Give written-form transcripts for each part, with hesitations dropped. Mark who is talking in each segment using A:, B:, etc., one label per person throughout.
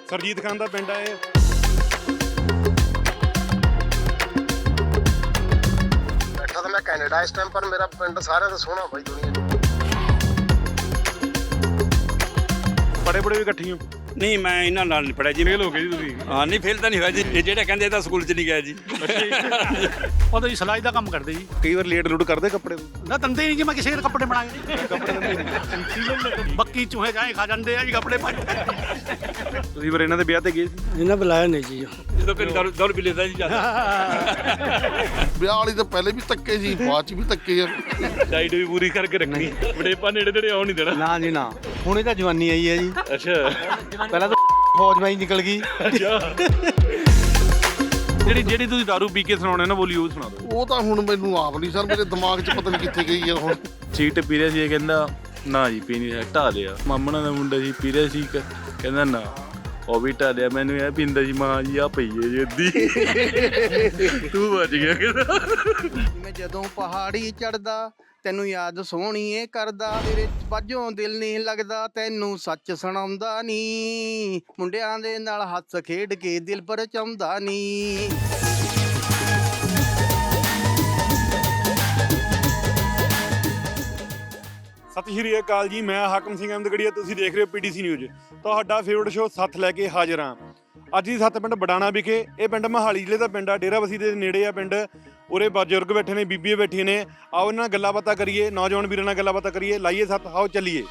A: ਸਰਜੀਤ ਖਾਨ ਦਾ ਪਿੰਡ ਆ ਇਹ।
B: ਬੈਠਾ ਤਾਂ ਮੈਂ ਕੈਨੇਡਾ ਇਸ ਟਾਈਮ, ਪਰ ਮੇਰਾ ਪਿੰਡ ਸਾਰਿਆਂ ਤੋਂ ਸੋਹਣਾ ਬਾਈ ਦੁਨੀਆ 'ਚ।
A: ਬੜੇ ਬੜੇ ਵੀ ਇਕੱਠੀ ਹੋ?
C: ਨਹੀਂ, ਮੈਂ ਇਹਨਾਂ ਨਾਲ ਨਹੀਂ ਪੜਿਆ ਜੀ।
A: ਫੇਲ ਹੋ ਗਏ ਜੀ ਤੁਸੀਂ?
C: ਹਾਂ, ਨਹੀਂ ਫੇਲ ਤਾਂ ਨਹੀਂ ਹੋਇਆ ਜੀ। ਇਹ ਜਿਹੜੇ ਕਹਿੰਦੇ ਇਹ ਤਾਂ ਸਕੂਲ 'ਚ ਨਹੀਂ ਗਿਆ ਜੀ।
D: ਉਹ ਤਾਂ ਜੀ ਸਿਲਾਈ ਦਾ ਕੰਮ ਕਰਦੇ ਜੀ।
A: ਕਈ ਵਾਰ ਲੇਟ ਲੂਟ ਕਰਦੇ ਕੱਪੜੇ?
D: ਨਾ ਦੰਦੇ ਨਹੀਂ ਜੀ, ਮੈਂ ਕਿਸੇ ਦੇ ਕੱਪੜੇ ਬਣਾਏ ਕੱਪੜੇ ਬੱਕੀ ਚੂਹੇ ਜਾਏ ਖਾ ਜਾਂਦੇ ਆ ਜੀ ਕੱਪੜੇ ਪਾ।
A: ਤੁਸੀਂ ਫਿਰ ਇਹਨਾਂ ਦੇ ਵਿਆਹ ਤੇ ਗਏ ਸੀ?
D: ਇਹਨਾਂ ਬੁਲਾਇਆ ਨਹੀਂ ਜੀ।
C: ਜਦੋਂ ਕਿ ਦੌੜ ਵੀ ਲੈਂਦਾ ਜੀ ਜਿਆਦਾ।
E: ਵਿਆਹ ਵਾਲੀ ਤਾਂ ਪਹਿਲੇ ਵੀ ਧੱਕੇ ਸੀ, ਬਾਅਦ ਚ ਵੀ ਧੱਕੇ ਆ।
A: ਡਾਈਟ ਵੀ ਪੂਰੀ ਕਰਕੇ ਰੱਖਣੀ, ਬੜੇਪਾ ਨੇੜੇ ਨੇੜੇ ਆਉਣ ਨਹੀਂ ਦੇਣਾ।
F: ਨਾ ਜੀ ਨਾ, ਹੁਣੇ ਤਾਂ ਜਵਾਨੀ ਆਈ ਹੈ ਜੀ।
A: ਅੱਛਾ,
F: ਪਹਿਲਾਂ ਤਾਂ ਫੌਜ ਮੈਂ ਹੀ ਨਿਕਲ ਗਈ।
A: ਜਿਹੜੀ ਤੁਸੀਂ ਦਾਰੂ ਪੀ ਕੇ ਸੁਣਾਉਣੇ ਨਾ ਬੋਲੀ ਉਹ ਸੁਣਾ ਦਿਓ।
E: ਉਹ ਤਾਂ ਹੁਣ ਮੈਨੂੰ ਆਪ ਨਹੀਂ ਸਰ, ਮੇਰੇ ਦਿਮਾਗ 'ਚ ਪਤਾ ਨਹੀਂ ਕਿੱਥੇ ਗਈ ਆ ਹੁਣ।
G: ਸੀਟ ਪੀ ਰਿਹਾ ਸੀ, ਇਹ ਕਹਿੰਦਾ ਨਾ ਜੀ ਪੀਣੀ ਹੈ, ਢਾ ਲਿਆ। ਮਾਮਣਾ ਦਾ ਮੁੰਡਾ ਸੀ, ਪੀ ਰਿਹਾ ਸੀ, ਕਹਿੰਦਾ ਨਾ ਉਹ ਵੀ ਢਾ ਲਿਆ। ਮੈਨੂੰ ਇਹ ਪੀਂਦਾ ਜੀ, ਮਾਂ ਜੀ ਆ ਪਈ ਹੈ ਜੀ ਅੱਧੀ। ਤੂੰ ਬਚ ਗਿਆ ਕਹਿੰਦਾ।
F: ਮੈਂ ਜਦੋਂ ਪਹਾੜੀ ਚੜਦਾ ਤੈਨੂੰ ਯਾਦ ਸੋਹਣੀਏ ਕਰਦਾ, ਤੇਰੇ ਬਾਝੋਂ ਦਿਲ ਨਹੀਂ ਲੱਗਦਾ, ਤੈਨੂੰ ਸੱਚ ਸੁਣਾਉਂਦਾ ਨੀ, ਮੁੰਡਿਆਂ ਦੇ ਨਾਲ ਹੱਸ ਖੇਡ ਕੇ ਦਿਲ ਪਰਚਾਉਂਦਾ ਨੀ।
A: ਸਤਿ ਸ਼੍ਰੀ ਅਕਾਲ ਜੀ, ਮੈਂ ਹਾਕਮ ਸਿੰਘ ਅਹਿਮਦਗੜੀਆ, ਤੁਸੀਂ ਦੇਖ ਰਹੇ ਹੋ ਪੀਟੀਸੀ ਨਿਊਜ਼। ਤੁਹਾਡਾ ਫੇਵਰਟ ਸ਼ੋਅ ਸੱਥ ਲੈ ਕੇ ਹਾਜ਼ਰ ਹਾਂ। ਅੱਜ ਹੀ ਸੱਤ ਪਿੰਡ ਬਡਾਣਾ ਵਿਖੇ। ਇਹ ਪਿੰਡ ਮੋਹਾਲੀ ਜ਼ਿਲ੍ਹੇ ਦਾ ਪਿੰਡ ਆ, ਡੇਰਾਬੱਸੀ ਦੇ ਨੇੜੇ ਆ ਪਿੰਡ। ਉਰੇ ਬਜ਼ੁਰਗ ਬੈਠੇ ਨੇ, ਬੀਬੀਆਂ ਬੈਠੀਆਂ ਨੇ। ਆਓ ਇਹਨਾਂ ਨਾਲ ਗੱਲਾਂ ਬਾਤਾਂ ਕਰੀਏ, ਨੌਜਵਾਨ ਵੀਰਾਂ ਨਾਲ ਗੱਲਾਂ ਬਾਤਾਂ ਕਰੀਏ। ਲਾਈਏ ਸੱਤ, ਆਓ ਚੱਲੀਏ।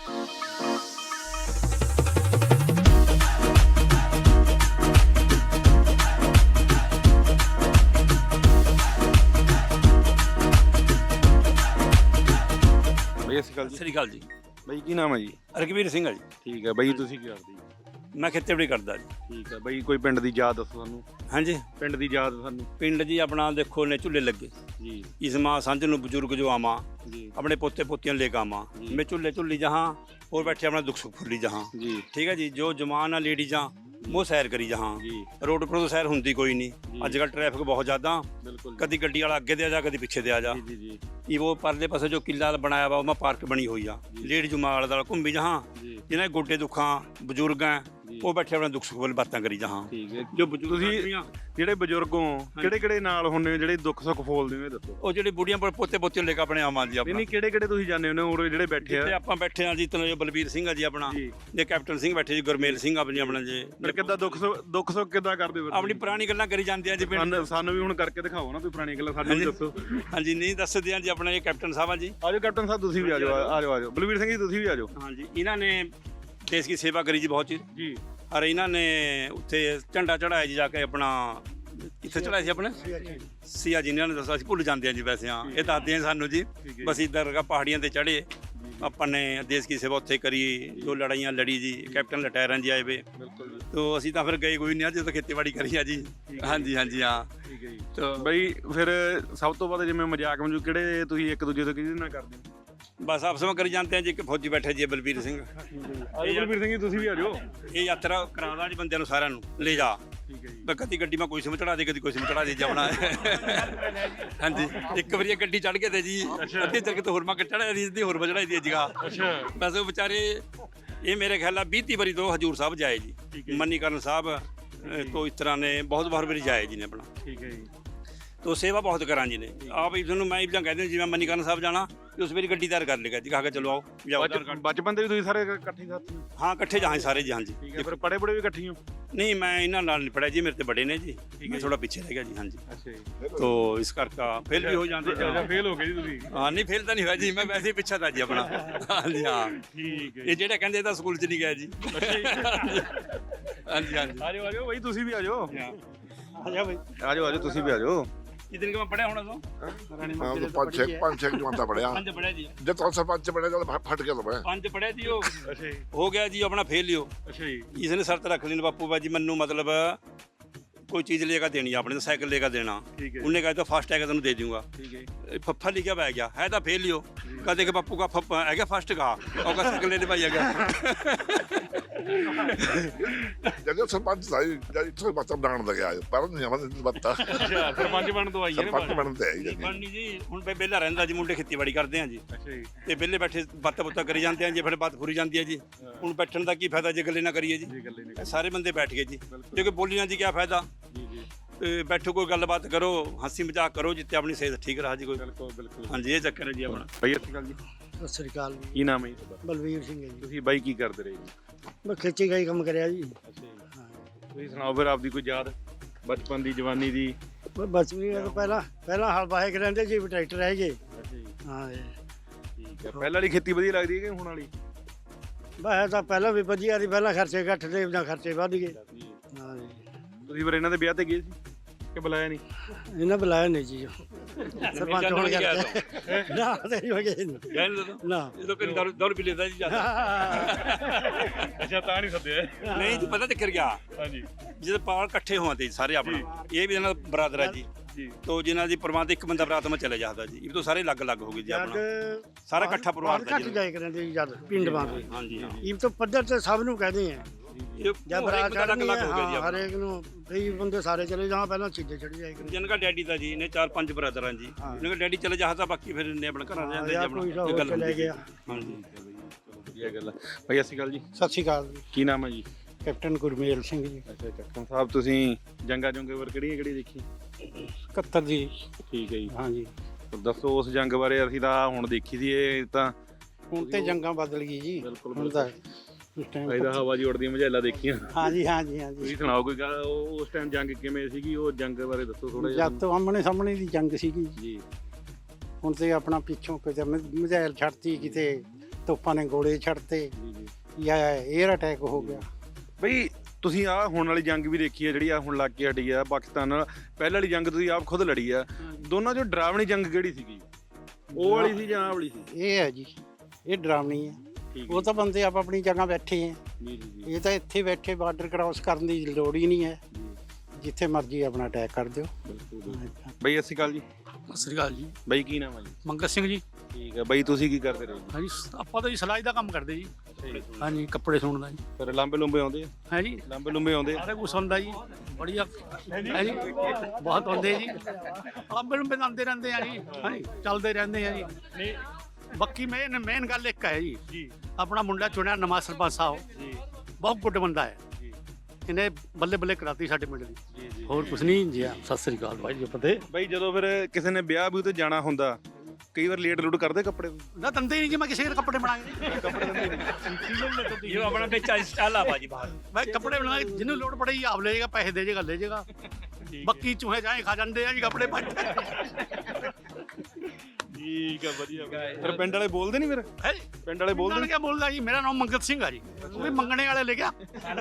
A: ਬਈ ਅਸੀਂ
C: ਸਤਿ ਸ੍ਰੀ ਅਕਾਲ ਜੀ।
A: ਬਈ ਕੀ ਨਾਮ ਹੈ ਜੀ?
C: ਰਘਵੀਰ ਸਿੰਘ ਆ ਜੀ।
A: ਠੀਕ ਹੈ ਬਈ, ਤੁਸੀਂ ਕੀ ਕਰਦੇ ਜੀ?
C: ਮੈਂ ਖੇਤੀਬਾੜੀ ਕਰਦਾ ਜੀ।
A: ਠੀਕ ਹੈ ਬਈ, ਕੋਈ ਪਿੰਡ ਦੀ ਯਾਦ ਦੱਸੋ ਸਾਨੂੰ।
C: ਹਾਂਜੀ,
A: ਪਿੰਡ ਦੀ ਯਾਦ ਸਾਨੂੰ
C: ਪਿੰਡ ਜੀ ਆਪਣਾ ਦੇਖੋ ਨੇ ਝੁੱਲੇ ਲੱਗੇ
A: ਜੀ।
C: ਇਸ ਮਾਂ ਸਾਂਝ ਨੂੰ ਬਜ਼ੁਰਗ ਜੋ ਆਵਾਂ,
A: ਜੀ
C: अपने पोते पोतियां लेकर आवा। मैं चूल्हे चुल्ली जहाँ और बैठे अपना दुख सुख फुली जहाँ।
A: जी
C: ठीक है जी। जो जमान आ लेडी जहाँ वो सैर करी जहाँ। रोड पर तो सैर होंगी कोई नहीं। अजकल ट्रैफिक बहुत ज़्यादा, कभी गड्डी वाला अगे दे आ जा, कभी पिछे दे आ जा। ये वो परले पासे जो किला बनाया वा, वहाँ पार्क बनी हुई आ। लेडी जो माल दाल घूमी जहाँ, जिन्हें गोडे दुखा बजुर्ग हैं, ਉਹ ਬੈਠੇ ਆਪਣਾ ਦੁੱਖ ਸੁੱਖ ਵਾਲੀ ਬਾਤਾਂ ਕਰੀ ਜਹਾਂ।
A: ਠੀਕ ਹੈ। ਜੋ ਤੁਸੀਂ ਜਿਹੜੇ ਬਜ਼ੁਰਗ ਹੋ, ਕਿਹੜੇ ਕਿਹੜੇ ਨਾਲ ਹੁੰਦੇ ਹੋ ਜਿਹੜੇ ਦੁੱਖ ਸੁੱਖ ਫੋਲਦੇ ਹੋ, ਇਹ ਦੱਸੋ।
C: ਉਹ ਜਿਹੜੇ ਬੁੜੀਆਂ ਪੋਤੇ ਪੋਤੇ ਲੈ ਕੇ ਆਪਣੇ ਆਵਾਂ ਜੀ ਆਪਣਾ।
A: ਨਹੀਂ, ਕਿਹੜੇ ਕਿਹੜੇ ਤੁਸੀਂ ਜਾਣਦੇ ਹੋ ਉਰੇ ਜਿਹੜੇ ਬੈਠੇ ਆ?
C: ਜਿੱਥੇ ਆਪਾਂ ਬੈਠੇ ਆ ਜੀ, ਤਨੋ ਬਲਬੀਰ ਸਿੰਘ ਆ ਜੀ ਆਪਣਾ, ਜੇ ਕੈਪਟਨ ਸਿੰਘ ਬੈਠੇ ਜੀ, ਗੁਰਮੇਲ ਸਿੰਘ ਆਪਣੀ ਆਪਣਾ ਜੀ।
A: ਫਿਰ ਕਿੱਦਾਂ ਦੁੱਖ ਸੁੱਖ ਕਿੱਦਾਂ ਕਰਦੇ ਹੋ?
C: ਆਪਣੀ ਪੁਰਾਣੀ ਗੱਲਾਂ ਕਰੀ ਜਾਂਦੇ ਆ ਜੀ ਪਿੰਡ।
A: ਸਾਨੂੰ ਵੀ ਹੁਣ ਕਰਕੇ ਦਿਖਾਓ ਨਾ ਕੋਈ ਪੁਰਾਣੀ ਗੱਲਾਂ, ਸਾਨੂੰ ਵੀ ਦੱਸੋ।
C: ਹਾਂਜੀ, ਨਹੀਂ ਦੱਸਦੇ ਆ ਜੀ। ਆਪਣਾ ਇਹ ਕੈਪਟਨ ਸਾਹਿਬ ਆ ਜੀ।
A: ਆਜੋ ਕੈਪਟਨ ਸਾਹਿਬ, ਤੁਸੀਂ ਵੀ ਆਜੋ। ਆਜੋ ਬਲਬੀਰ ਸਿੰਘ ਜੀ, ਤੁਸੀਂ ਵੀ ਆਜੋ।
C: ਹਾਂਜੀ, ਇਹਨਾਂ ਨੇ ਦੇਸ਼ ਦੀ ਸੇਵਾ ਕਰੀ ਜੀ ਬਹੁਤ ਚੀਜ਼
A: ਜੀ।
C: ਔਰ ਇਹਨਾਂ ਨੇ ਉੱਥੇ ਝੰਡਾ ਚੜਾਇਆ ਜੀ ਜਾ ਕੇ ਆਪਣਾ। ਕਿੱਥੇ ਚੜਾਇਆ ਸੀ ਆਪਣੇ? ਸੀਆ ਜੀ ਨੇ ਦੱਸਿਆ, ਅਸੀਂ ਭੁੱਲ ਜਾਂਦੇ ਆ ਜੀ ਵੈਸੇ। ਹਾਂ, ਇਹ ਦੱਸਦੇ ਆ ਸਾਨੂੰ ਜੀ। ਬਸ ਇੱਧਰ ਪਹਾੜੀਆਂ ਤੇ ਚੜੇ, ਆਪਾਂ ਨੇ ਦੇਸ਼ ਦੀ ਸੇਵਾ ਉੱਥੇ ਕਰੀ, ਜੋ ਲੜਾਈਆਂ ਲੜੀ ਜੀ। ਕੈਪਟਨ ਲਟੈਰਨ ਜੀ ਆਏ ਵੇ, ਤੋ ਅਸੀਂ ਤਾਂ ਫਿਰ ਗਏ ਕੋਈ ਨਹੀਂ, ਅੱਜ ਤਾਂ ਖੇਤੀਬਾੜੀ ਕਰੀ ਆ ਜੀ। ਹਾਂਜੀ ਹਾਂਜੀ ਹਾਂ।
A: ਠੀਕ ਹੈ ਜੀ। ਤਾਂ ਬਈ ਫਿਰ ਸਭ ਤੋਂ ਵੱਧ ਜਿਵੇਂ ਮਜ਼ਾਕ ਮਜੂ ਕਿਹੜੇ ਤੁਸੀਂ ਇੱਕ ਦੂਜੇ ਤੋਂ ਕਿਹਦੇ ਨਾਲ ਕਰਦੇ ਹੋ?
C: ਬਸ ਆਪਸ ਵਿੱਚ ਕਰੀ ਜਾਂਦੇ ਆ ਜੀ। ਇੱਕ ਫੌਜੀ ਬੈਠੇ ਜੀ ਬਲਬੀਰ ਸਿੰਘ।
A: ਆਜੋ ਬਲਬੀਰ ਸਿੰਘ ਜੀ, ਤੁਸੀਂ ਵੀ ਆਜੋ।
C: ਇਹ ਯਾਤਰਾ ਕਰਾਉਂਦਾ ਜੀ ਬੰਦਿਆਂ ਨੂੰ, ਸਾਰਿਆਂ ਨੂੰ ਲੈ ਜਾ।
A: ਠੀਕ ਹੈ ਜੀ।
C: ਕਦੀ ਗੱਡੀ ਮੈਂ ਕੋਈ ਸਿਮ ਚੜਾ ਦੇ, ਕਦੀ ਕੋਈ ਸਿਮ ਚੜਾ ਦੇ ਜਾਵਣਾ। ਹਾਂਜੀ, ਇੱਕ ਵਾਰੀ ਗੱਡੀ ਚੜ ਗਏ ਤੇ ਜੀ, ਅੱਧੇ ਚੱਲ ਕੇ ਤੇ ਹੋਰ ਮੈਂ ਚੜਾਇਆ ਸੀ, ਅੱਧੀ ਹੋਰ ਚੜਾਈ ਦੀ ਜਗ੍ਹਾ।
A: ਅੱਛਾ।
C: ਬਸ ਉਹ ਵਿਚਾਰੇ, ਇਹ ਮੇਰੇ ਖਿਆਲ ਨਾਲ 20 ਵਾਰੀ ਤੋਂ ਹਜੂਰ ਸਾਹਿਬ ਜਾਏ ਜੀ। ਮਨੀਕਰਨ ਸਾਹਿਬ ਤੋਂ ਇਸ ਤਰ੍ਹਾਂ ਨੇ ਬਹੁਤ ਵਾਰੀ ਜਾਏ ਜੀ ਨੇ ਆਪਣਾ।
A: ਠੀਕ ਹੈ ਜੀ।
C: तो सेवा बहुत करा जी ने आप इधर मैं इधर कहते हैं जी मैं मनीकरण साहब जाना तो उस मेरी गड्डी तैयार कर लेगा जी, कहा के चलो आओ जाओ।
A: बचपन से भी तुम सारे इकट्ठे साथी हो?
C: हाँ, इकट्ठे जहाँ सारे जी। हाँ जी।
A: ठीक है। फिर पढ़े बड़े भी इकट्ठे हो?
C: नहीं, मैं इन्होंने नाल नहीं पढ़ा जी, मेरे तो बड़े ने जी। मैं थोड़ा पीछे रह गया जी। हाँ जी।
A: अच्छा जी।
C: तो इस करके फेल भी हो जाते।
A: फेल हो गए जी तुसी?
C: हाँ, नहीं फेल तो नहीं हुआ जी, मैं वैसे ही पीछा था जी अपना। हाँ जी। हाँ
A: ठीक है।
C: ये जेड़ा कहते था स्कूल च नहीं गया जी। हाँ जी। हाँ जी।
A: आ जाओ भाई, तुसी भी आ जाओ।
C: आ जा भाई,
A: आ जाओ तुसी भी आ जाओ।
C: इतने का मैं पढ़ा होना तो
E: ਹਾਂ ਤਾਂ ਪੰਜ ਛੇ ਜਮਾਤਾਂ ਪੜਿਆ।
C: पंज पढ़ा जी।
E: ਜਦ ਤੋਂ ਸਰਪੰਚ ਬਣੇ ਜਦ ਫਟ ਗਿਆ ਤਾਂ ਮੈਂ।
C: पंज पढ़ा जी। वो
A: अच्छा जी।
C: हो गया जी अपना फेल लियो।
A: अच्छा जी।
C: इसने शर्त रख ली बापू बाजी मनु, मतलब कोई चीज़ लेकर देनी है अपने, तो साइकिल लेकर देना।
A: ठीक है।
C: उन्हें कहा तो फास्ट टैग तेन दे दूंगा।
A: ठीक है।
C: फफ्फा लिखा पै गया है तो फेल लियो। कहते कि बापू का फप्पा है गया फर्स्ट का, और का साइकिल लेने पाई है गया।
E: ਜਦੋਂ ਸਰਪੰਚ ਸਾਈ ਜਦ ਸਰਪੰਚ ਬਣਾਉਣ ਲੱਗਿਆ ਪਰ ਨਹੀਂ ਆਵਾਂ ਬੱਤਾ
A: ਅੱਛਾ ਸਰਪੰਚ ਬਣਨ ਤੋਂ ਆਈ ਹੈ
E: ਸਰਪੰਚ ਬਣਨ ਤੇ ਆਈ
C: ਬਣਨੀ ਜੀ ਹੁਣ ਵਿਹਲਾ ਰਹਿੰਦਾ ਜੀ, ਮੁੰਡੇ ਖੇਤੀਬਾੜੀ ਕਰਦੇ ਆ ਜੀ
A: ਅੱਛਾ ਜੀ
C: ਤੇ ਵਿਹਲੇ ਬੈਠੇ ਬਾਤਾਂ ਬੁੱਤਾਂ ਕਰੀ ਜਾਂਦੇ ਆ ਜੀ, ਫਿਰ ਬਾਤ ਫੁਰੀ ਜਾਂਦੀ ਹੈ ਜੀ। ਹੁਣ ਬੈਠਣ ਦਾ ਕੀ ਫਾਇਦਾ ਜੇ ਗੱਲੇ ਨਾ ਕਰੀਏ ਜੀ,
A: ਜੀ ਗੱਲੇ ਨੇ
C: ਸਾਰੇ ਬੰਦੇ ਬੈਠ ਗਏ ਜੀ, ਜੇ ਕੋਈ ਬੋਲੀ ਨਾ ਜੀ ਕੀ ਫਾਇਦਾ।
A: ਜੀ ਜੀ
C: ਤੇ ਬੈਠੋ ਕੋਈ ਗੱਲਬਾਤ ਕਰੋ, ਹੱਸੀ ਮਜ਼ਾਕ ਕਰੋ, ਜਿੱਤੇ ਆਪਣੀ ਸਿਹਤ ਠੀਕ ਰਹਾ ਜੀ ਕੋਈ।
A: ਬਿਲਕੁਲ ਬਿਲਕੁਲ
C: ਹਾਂਜੀ ਇਹ ਚੱਕਰ ਹੈ ਜੀ ਆਪਣਾ।
A: ਬਾਈ ਸਤਿ ਸ਼੍ਰੀ ਅਕਾਲ ਜੀ,
H: ਸਤਿ ਸ੍ਰੀ ਅਕਾਲ ਜੀ।
A: ਕੀ ਨਾਮ ਹੈ ਜੀ ਤੁਹਾਡਾ?
H: ਬਲਵੀਰ ਸਿੰਘ ਹੈ ਜੀ।
A: ਤੁਸੀਂ ਬਾਈ ਕੀ ਕਰਦੇ ਰਹੇ ਜੀ?
H: ਮੈਂ ਖੇਤੀ ਦਾ ਹੀ ਕੰਮ ਕਰਿਆ ਜੀ।
A: ਅੱਛਾ ਜੀ ਤੁਸੀਂ ਸੁਣਾਓ ਫਿਰ ਆਪਦੀ ਕੋਈ ਯਾਦ ਬਚਪਨ ਦੀ ਜਵਾਨੀ ਦੀ?
H: ਮੈਂ ਬਚਪਨ ਤੋਂ ਪਹਿਲਾਂ ਹਲ ਵਾਹੇ ਕੇ ਰਹਿੰਦੇ ਜੀ, ਟਰੈਕਟਰ ਹੈਗੇ।
A: ਅੱਛਾ ਜੀ
H: ਹਾਂ ਜੀ।
A: ਠੀਕ ਹੈ, ਪਹਿਲਾਂ ਵਾਲੀ ਖੇਤੀ ਵਧੀਆ ਲੱਗਦੀ ਹੈ ਕਿ ਹੁਣ ਵਾਲੀ?
H: ਬਸ ਤਾਂ ਪਹਿਲਾਂ ਵੀ ਵਧੀਆ ਸੀ, ਪਹਿਲਾਂ ਖਰਚੇ ਘੱਟ ਤੇ ਜਾਂ ਖਰਚੇ ਵੱਧ ਗਏ। ਹਾਂ ਜੀ।
A: ਤੁਸੀਂ ਫਿਰ ਇਹਨਾਂ ਦੇ ਵਿਆਹ ਤੇ ਗਏ ਸੀ ਕਿ ਬੁਲਾਇਆ ਨਹੀਂ?
H: ਇਹਨਾਂ ਬੁਲਾਇਆ ਨਹੀਂ ਜੀ ਸਰਪੰਚ ਹੋਣ ਕਰਕੇ। ਨਾ ਤੇ ਨਹੀਂ ਹੋ ਗਏ ਨਾ।
C: ਜਦੋਂ ਕੋਈ ਦੌਰ ਵੀ ਲੈਂਦਾ ਜੀ
A: ਅੱਛਾ ਤਾਂ ਨਹੀਂ ਸੱਦਿਆ?
C: ਨਹੀਂ ਜੀ ਪਤਾ ਚੱਕਰ ਗਿਆ
A: ਹਾਂਜੀ
C: ਜਦੋਂ ਪਾਲ ਇਕੱਠੇ ਹੋਵਾਂਦੇ ਜੀ ਸਾਰੇ ਆਪਣਾ, ਇਹ ਵੀ ਇਹਨਾਂ ਦਾ ਬਰਾਦਰ ਹੈ ਜੀ।
A: ਜੀ
C: ਤੋ ਜਿਨ੍ਹਾਂ ਦੀ ਪਰਿਵਾਰ ਦੇ ਇੱਕ ਬੰਦਾ ਬਰਾਤ ਮੈਂ ਚਲੇ ਜਾਂਦਾ ਜੀ, ਇਹ ਤੋਂ ਸਾਰੇ ਅਲੱਗ-ਅਲੱਗ ਹੋ ਗਏ ਜੀ ਆਪਣਾ, ਸਾਰਾ ਇਕੱਠਾ ਪਰਿਵਾਰ ਦਾ
H: ਘੱਟ
C: ਜੀ।
H: ਜਾਏ ਕਰਾਂਦੇ ਜੀ ਜਦ ਪਿੰਡ ਬਾਂਦੇ।
C: ਹਾਂਜੀ ਹਾਂ
H: ਇਹ ਤਾਂ ਪੱਧਰ ਤੇ ਸਭ ਨੂੰ ਕਹਦੇ ਆ
C: ਇਹ
H: ਜਾਂ ਬਰਾਤ
C: ਅਲੱਗ
H: ਚੜ੍ਹਨੀ
C: ਅਲੱਗ ਹੋ ਗਿਆ ਜੀ
H: ਹੈ,
C: ਆਪਣਾ।
H: ਹਰੇਕ ਨੂੰ ਕਈ ਬੰਦੇ ਸਾਰੇ ਚਲੇ ਜਾਣ, ਪਹਿਲਾਂ ਚੀਜ਼ੇ ਚੜ ਜਾਏ ਕਰਾਂਦੇ।
C: ਜਿਨ੍ਹਾਂ ਦਾ ਡੈਡੀ ਦਾ ਜੀ ਨੇ 4-5 ਬ੍ਰਦਰ ਹਨ ਜੀ, ਇਹਨਾਂ ਦਾ ਡੈਡੀ ਚਲੇ ਜਾਂਦਾ ਬਾਕੀ ਫਿਰ ਇਹਨੇ ਆਪਣਾ ਘਰਾਂ ਦੇ ਜਾਂਦੇ ਜੀ ਆਪਣਾ, ਇਹ ਗੱਲ
H: ਲੈ
C: ਹੁੰਦੀ
H: ਗਿਆ।
C: ਹਾਂਜੀ
A: ਚਲੋ ਵਧੀਆ ਗੱਲ ਹੈ। ਬਾਈ ਸਤਿ ਸ਼੍ਰੀ ਅਕਾਲ ਜੀ,
H: ਸਤਿ ਸ਼੍ਰੀ ਅਕਾਲ ਜੀ।
A: ਕੀ ਨਾਮ ਹੈ ਜੀ?
H: ਕੈਪਟਨ ਗੁਰਮੇਲ ਸਿੰਘ ਜੀ।
A: ਅੱਛਾ ਕੈਪਟਨ ਸਾਹਿਬ ਤੁਸੀਂ ਜੰਗਾਂ ਵਰ ਕਿਹੜੀ ਦੇਖੀ?
H: 71 ਦੀ।
A: ਠੀਕ ਹੈ ਜੀ,
H: ਹਾਂਜੀ।
A: ਦੱਸੋ ਉਸ ਜੰਗ ਬਾਰੇ। ਅਸੀਂ ਤਾਂ ਹੁਣ ਦੇਖੀ ਸੀ, ਇਹ ਤਾਂ
H: ਹੁਣ ਤੇ ਜੰਗਾਂ ਬਦਲ ਗਈ ਜੀ।
A: ਬਿਲਕੁਲ
H: ਹੁਣ ਤਾਂ ਉਸ ਟਾਈਮ
A: ਇਹਦਾ ਹਵਾ ਜੀ ਉੜਦੀਆਂ ਮਝੈਲਾ ਦੇਖੀਆਂ।
H: ਹਾਂਜੀ ਹਾਂਜੀ ਹਾਂਜੀ।
A: ਤੁਸੀਂ ਸੁਣਾਓ ਕੋਈ ਗੱਲ, ਉਸ ਟਾਈਮ ਜੰਗ ਕਿਵੇਂ ਸੀਗੀ? ਉਹ ਜੰਗ ਬਾਰੇ ਦੱਸੋ ਥੋੜਾ ਜਿਹਾ।
H: ਜਦ ਤੋਂ ਆਮਣੇ ਸਾਹਮਣੇ ਦੀ ਜੰਗ ਸੀਗੀ
A: ਜੀ
H: ਹੁਣ ਤੇ ਆਪਣਾ ਪਿੱਛੋਂ ਕਿਤੇ ਮਿਜ਼ਾਈਲ ਛੱਡਤੀ, ਕਿਤੇ ਤੋਪਾਂ ਨੇ ਗੋਲੇ ਛੱਡਤੇ,
A: ਜੀ ਜੀ
H: ਜਾਂ 에ਅਰ ਅਟੈਕ ਹੋ ਗਿਆ।
A: ਬਈ ਤੁਸੀਂ ਆਹ ਹੁਣ ਵਾਲੀ ਜੰਗ ਵੀ ਦੇਖੀ ਹੈ ਜਿਹੜੀ ਆ ਹੁਣ ਲੱਗ ਕੇ ਹਟੀ ਆ ਪਾਕਿਸਤਾਨ ਨਾਲ, ਪਹਿਲਾਂ ਵਾਲੀ ਜੰਗ ਤੁਸੀਂ ਆਪ ਖੁਦ ਲੜੀ ਆ, ਦੋਨਾਂ ਚੋਂ ਡਰਾਵਣੀ ਜੰਗ ਕਿਹੜੀ ਸੀਗੀ? ਉਹ ਵਾਲੀ ਸੀ ਜਾਂ ਆਹ ਵਾਲੀ ਸੀ?
H: ਇਹ ਹੈ ਜੀ, ਇਹ ਡਰਾਵਣੀ ਹੈ।
A: ਠੀਕ
H: ਉਹ ਤਾਂ ਬੰਦੇ ਆਪ ਆਪਣੀ ਜਗ੍ਹਾ ਬੈਠੇ ਹੈ,
A: ਜੀ ਜੀ ਜੀ
H: ਇਹ ਤਾਂ ਇੱਥੇ ਬੈਠੇ ਬਾਰਡਰ ਕ੍ਰਾਸ ਕਰਨ ਦੀ ਲੋੜ ਹੀ ਨਹੀਂ ਹੈ, ਜਿੱਥੇ ਮਰਜ਼ੀ ਆਪਣਾ ਅਟੈਕ ਕਰ ਦਿਓ।
A: ਬਿਲਕੁਲ ਬਈ ਸਤਿ ਸ਼੍ਰੀ ਅਕਾਲ ਜੀ।
D: ਸਤਿ ਸ੍ਰੀ ਅਕਾਲ ਜੀ।
A: ਬਈ ਕੀ ਨਾਮ ਹੈ ਜੀ?
D: ਮੰਗਤ ਸਿੰਘ ਜੀ।
A: ਠੀਕ ਹੈ ਬਈ, ਤੁਸੀਂ ਕੀ ਕਰਦੇ ਰਹੇ ਜੀ?
D: ਹਾਂਜੀ ਆਪਾਂ ਤਾਂ ਜੀ ਸਿਲਾਈ ਦਾ ਕੰਮ ਕਰਦੇ ਜੀ। ਹਾਂਜੀ ਕੱਪੜੇ ਸਿਉਣ ਦਾ ਜੀ।
A: ਫਿਰ ਲਾਂਬੇ ਲੰਬੇ ਆਉਂਦੇ ਆ?
D: ਹੈ ਜੀ
A: ਲਾਂਬੇ ਲੰਬੇ ਆਉਂਦੇ ਆ?
D: ਸਾਰੇ ਕੁਛ ਹੁੰਦਾ ਜੀ, ਬੜੀਆ ਹੈ ਜੀ, ਬਹੁਤ ਹੁੰਦੇ ਜੀ, ਲੰਬੇ ਲੰਬੇ ਆਉਂਦੇ ਰਹਿੰਦੇ ਆ ਜੀ। ਹਾਂਜੀ ਚੱਲਦੇ ਰਹਿੰਦੇ ਆ ਜੀ। ਬਾਕੀ ਮੇਨ ਗੱਲ ਇੱਕ ਹੈ ਜੀ, ਆਪਣਾ ਮੁੰਡਾ ਚੁਣਿਆ ਨਵਾਂ ਸਰਪੰਚ ਸਾਹਿਬ, ਬਹੁਤ ਗੁੱਡ ਬੰਦਾ ਹੈ, ਇਹਨੇ ਬੱਲੇ ਬੱਲੇ ਕਰਾਤੀ ਸਾਡੇ ਪਿੰਡ ਦੀ। ਹੋਰ ਕੁਛ ਨਹੀਂ ਜੀ। ਸਤਿ ਸ੍ਰੀ ਅਕਾਲ ਭਾਈ ਜੀ। ਪਤੇ
A: ਬਈ ਜਦੋਂ ਫਿਰ ਕਿਸੇ ਨੇ ਵਿਆਹ ਵੀ ਤੇ ਜਾਣਾ ਹੁੰਦਾ, ਕਈ ਵਾਰ ਲੇਟ ਲੂਟ ਕਰਦੇ ਕੱਪੜੇ?
D: ਨਾ ਦੰਦੇ ਹੀ ਨਹੀਂ ਜੀ, ਮੈਂ ਕਿਸੇ ਦੇ ਕੱਪੜੇ ਬਣਾਏ
C: ਇਹ ਆਪਣਾ ਵਿੱਚ ਸਟਾਈਲ ਆ ਬਾਜੀ ਬਾਹਰ।
D: ਮੈਂ ਕੱਪੜੇ ਬਣਾਏ, ਜਿਹਨੂੰ ਲੋੜ ਪੜੇਗੀ ਆਪ ਲੈ ਜਾਏਗਾ, ਪੈਸੇ ਦੇ ਜਾਏਗਾ ਲੈ ਜਾਏਗਾ। ਬੱਕੀ ਚੂਹੇ ਜਾਏ ਖਾ ਜਾਂਦੇ ਆ ਜੀ ਕੱਪੜੇ ਪਾ।
A: ਠੀਕ ਹੈ ਵਧੀਆ। ਫਿਰ ਪਿੰਡ ਵਾਲੇ ਬੋਲਦੇ ਨਹੀਂ? ਫਿਰ
D: ਹੈ
A: ਪਿੰਡ ਵਾਲੇ ਬੋਲਦੇ
D: ਕਿਆ ਬੋਲਦਾ ਜੀ, ਮੇਰਾ ਨਾਮ ਮੰਗਤ ਸਿੰਘ ਆ ਜੀ, ਉਹ ਵੀ ਮੰਗਣੇ ਵਾਲੇ ਲਿਖਿਆ।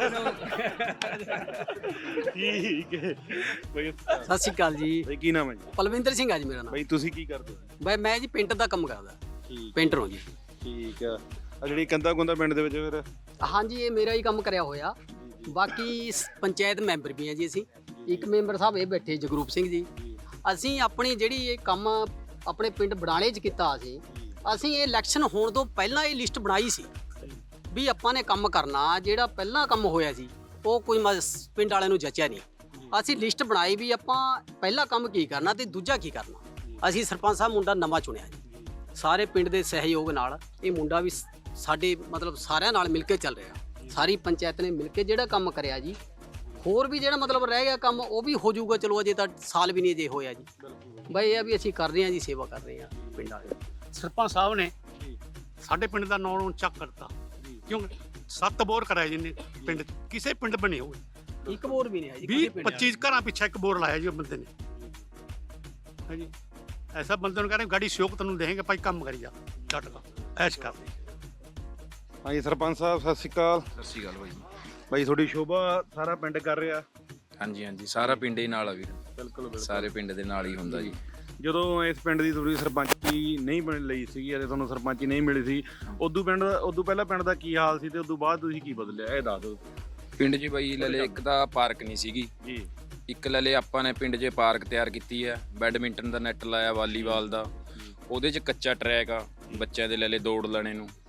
A: ਠੀਕ ਹੈ ਬਈ।
I: ਸਤਿ ਸ਼੍ਰੀ ਅਕਾਲ ਜੀ।
A: ਬਈ ਕੀ ਨਾਮ ਹੈ ਜੀ?
I: ਪਲਵਿੰਦਰ ਸਿੰਘ ਆ ਜੀ ਮੇਰਾ ਨਾਮ।
A: ਬਈ ਤੁਸੀਂ ਕੀ ਕਰਦੇ ਹੋ?
I: ਬਈ ਮੈਂ ਜੀ ਪੇਂਟਰ ਦਾ ਕੰਮ ਕਰਦਾ,
A: ਠੀਕ
I: ਪੇਂਟਰ ਹਾਂ ਜੀ।
A: ਠੀਕ ਆ। ਆ ਜਿਹੜੀ ਕੰਦਾ ਕੁੰਦਾ ਪਿੰਡ ਦੇ ਵਿੱਚ ਫਿਰ?
I: ਹਾਂਜੀ ਇਹ ਮੇਰਾ ਹੀ ਕੰਮ ਕਰਿਆ ਹੋਇਆ, ਬਾਕੀ ਪੰਚਾਇਤ ਮੈਂਬਰ ਵੀ ਆ ਜੀ ਅਸੀਂ। ਇੱਕ ਮੈਂਬਰ ਸਾਹਿਬ ਇਹ ਬੈਠੇ ਜਗਰੂਪ ਸਿੰਘ ਜੀ। ਅਸੀਂ ਆਪਣੀ ਜਿਹੜੀ ਇਹ ਕੰਮ ਆਪਣੇ ਪਿੰਡ ਬੜਾਲੇ 'ਚ ਕੀਤਾ ਅਸੀਂ ਇਹ ਇਲੈਕਸ਼ਨ ਹੋਣ ਤੋਂ ਪਹਿਲਾਂ ਇਹ ਲਿਸਟ ਬਣਾਈ ਸੀ ਵੀ ਆਪਾਂ ਨੇ ਕੰਮ ਕਰਨਾ। ਜਿਹੜਾ ਪਹਿਲਾਂ ਕੰਮ ਹੋਇਆ ਸੀ ਉਹ ਕੋਈ ਪਿੰਡ ਵਾਲਿਆਂ ਨੂੰ ਜਚਿਆ ਨਹੀਂ। ਅਸੀਂ ਲਿਸਟ ਬਣਾਈ ਵੀ ਆਪਾਂ ਪਹਿਲਾ ਕੰਮ ਕੀ ਕਰਨਾ ਤੇ ਦੂਜਾ ਕੀ ਕਰਨਾ। ਅਸੀਂ ਸਰਪੰਚ ਸਾਹਿਬ ਮੁੰਡਾ ਨਵਾਂ ਚੁਣਿਆ ਜੀ, ਸਾਰੇ ਪਿੰਡ ਦੇ ਸਹਿਯੋਗ ਨਾਲ। ਇਹ ਮੁੰਡਾ ਵੀ ਸਾਡੇ ਮਤਲਬ ਸਾਰਿਆਂ ਨਾਲ ਮਿਲ ਕੇ ਚੱਲ ਰਿਹਾ, ਸਾਰੀ ਪੰਚਾਇਤ ਨੇ ਮਿਲ ਕੇ ਜਿਹੜਾ ਕੰਮ ਕਰਿਆ ਜੀ। ਹੋਰ ਵੀ ਜਿਹੜਾ ਮਤਲਬ ਰਹਿ ਗਿਆ ਕੰਮ ਉਹ ਵੀ ਹੋ ਜਾਊਗਾ, ਚਲੋ ਅਜੇ ਤਾਂ ਸਾਲ ਵੀ ਨਹੀਂ ਅਜੇ ਹੋਇਆ ਜੀ। ਬਈ ਇਹ ਵੀ ਅਸੀਂ ਕਰ ਰਹੇ ਹਾਂ ਜੀ, ਸੇਵਾ ਕਰ ਰਹੇ ਹਾਂ ਪਿੰਡ ਵਾਲੇ।
D: ਸਰਪੰਚ ਸਾਹਿਬ ਨੇ ਸਾਡੇ ਪਿੰਡ ਦਾ ਨਾਂ ਨੂੰ ਚੱਕ ਕਰਤਾ, ਕਿਉਂਕਿ 7 ਬੋਰ ਕਰਾਏ ਜਿੰਨੇ ਪਿੰਡ 'ਚ, ਕਿਸੇ ਪਿੰਡ ਬਣੇ ਹੋਏ
I: ਇੱਕ ਬੋਰ ਵੀ ਨਹੀਂ ਹੈ ਜੀ।
D: 20-25 ਘਰਾਂ ਪਿੱਛੇ ਇੱਕ ਬੋਰ ਲਾਇਆ ਜੀ ਉਹ ਬੰਦੇ ਨੇ। ਹਾਂਜੀ ਐਸਾ ਬੰਦੇ ਨੂੰ ਕਹਿੰਦੇ ਗਾੜੀ ਸਿਓਕ ਤੈਨੂੰ ਦੇਣਗੇ ਭਾਈ, ਕੰਮ ਕਰੀ ਜਾ ਚੱਟ ਦਾ ਐਸ਼ ਕਰ।
A: ਹਾਂਜੀ ਸਰਪੰਚ ਸਾਹਿਬ ਸਤਿ ਸ਼੍ਰੀ ਅਕਾਲ।
J: ਸਤਿ ਸ਼੍ਰੀ ਅਕਾਲ ਬਾਈ।
A: ਬਾਈ ਤੁਹਾਡੀ ਸ਼ੋਭਾ ਸਾਰਾ ਪਿੰਡ ਕਰ ਰਿਹਾ?
J: ਹਾਂਜੀ ਹਾਂਜੀ ਸਾਰਾ ਪਿੰਡ ਹੀ ਨਾਲ ਆ ਵੀਰ,
A: ਬਿਲਕੁਲ
J: ਸਾਰੇ ਪਿੰਡ ਦੇ ਨਾਲ ਹੀ ਹੁੰਦਾ ਜੀ।
A: ਜਦੋਂ ਇਸ ਪਿੰਡ ਦੀ ਥੋੜੀ ਸਰਪੰਚੀ ਨਹੀਂ ਬਣ ਲਈ ਸੀਗੀ ਅਤੇ ਤੁਹਾਨੂੰ ਸਰਪੰਚੀ ਨਹੀਂ ਮਿਲੀ ਸੀ, ਉਦੋਂ ਪਹਿਲਾਂ ਪਿੰਡ ਦਾ ਕੀ ਹਾਲ ਸੀ ਤੇ ਉਦੋਂ ਬਾਅਦ ਤੁਸੀਂ ਕੀ ਬਦਲਿਆ ਇਹ ਦੱਸ ਦਿਓ।
J: ਪਿੰਡ 'ਚ ਬਾਈ ਲਲੇ ਇੱਕ ਤਾਂ ਪਾਰਕ ਨਹੀਂ ਸੀਗੀ
A: ਜੀ,
J: ਇੱਕ ਲਲੇ ਆਪਾਂ ਨੇ ਪਿੰਡ 'ਚ ਪਾਰਕ ਤਿਆਰ ਕੀਤੀ ਹੈ, ਬੈਡਮਿੰਟਨ ਦਾ ਨੈੱਟ ਲਾਇਆ, ਵਾਲੀਬਾਲ ਦਾ, ਉਹਦੇ 'ਚ ਕੱਚਾ ਟਰੈਕ ਆ ਬੱਚਿਆਂ ਦੇ ਲਲੇ ਦੌੜ ਲੈਣੇ ਨੂੰ,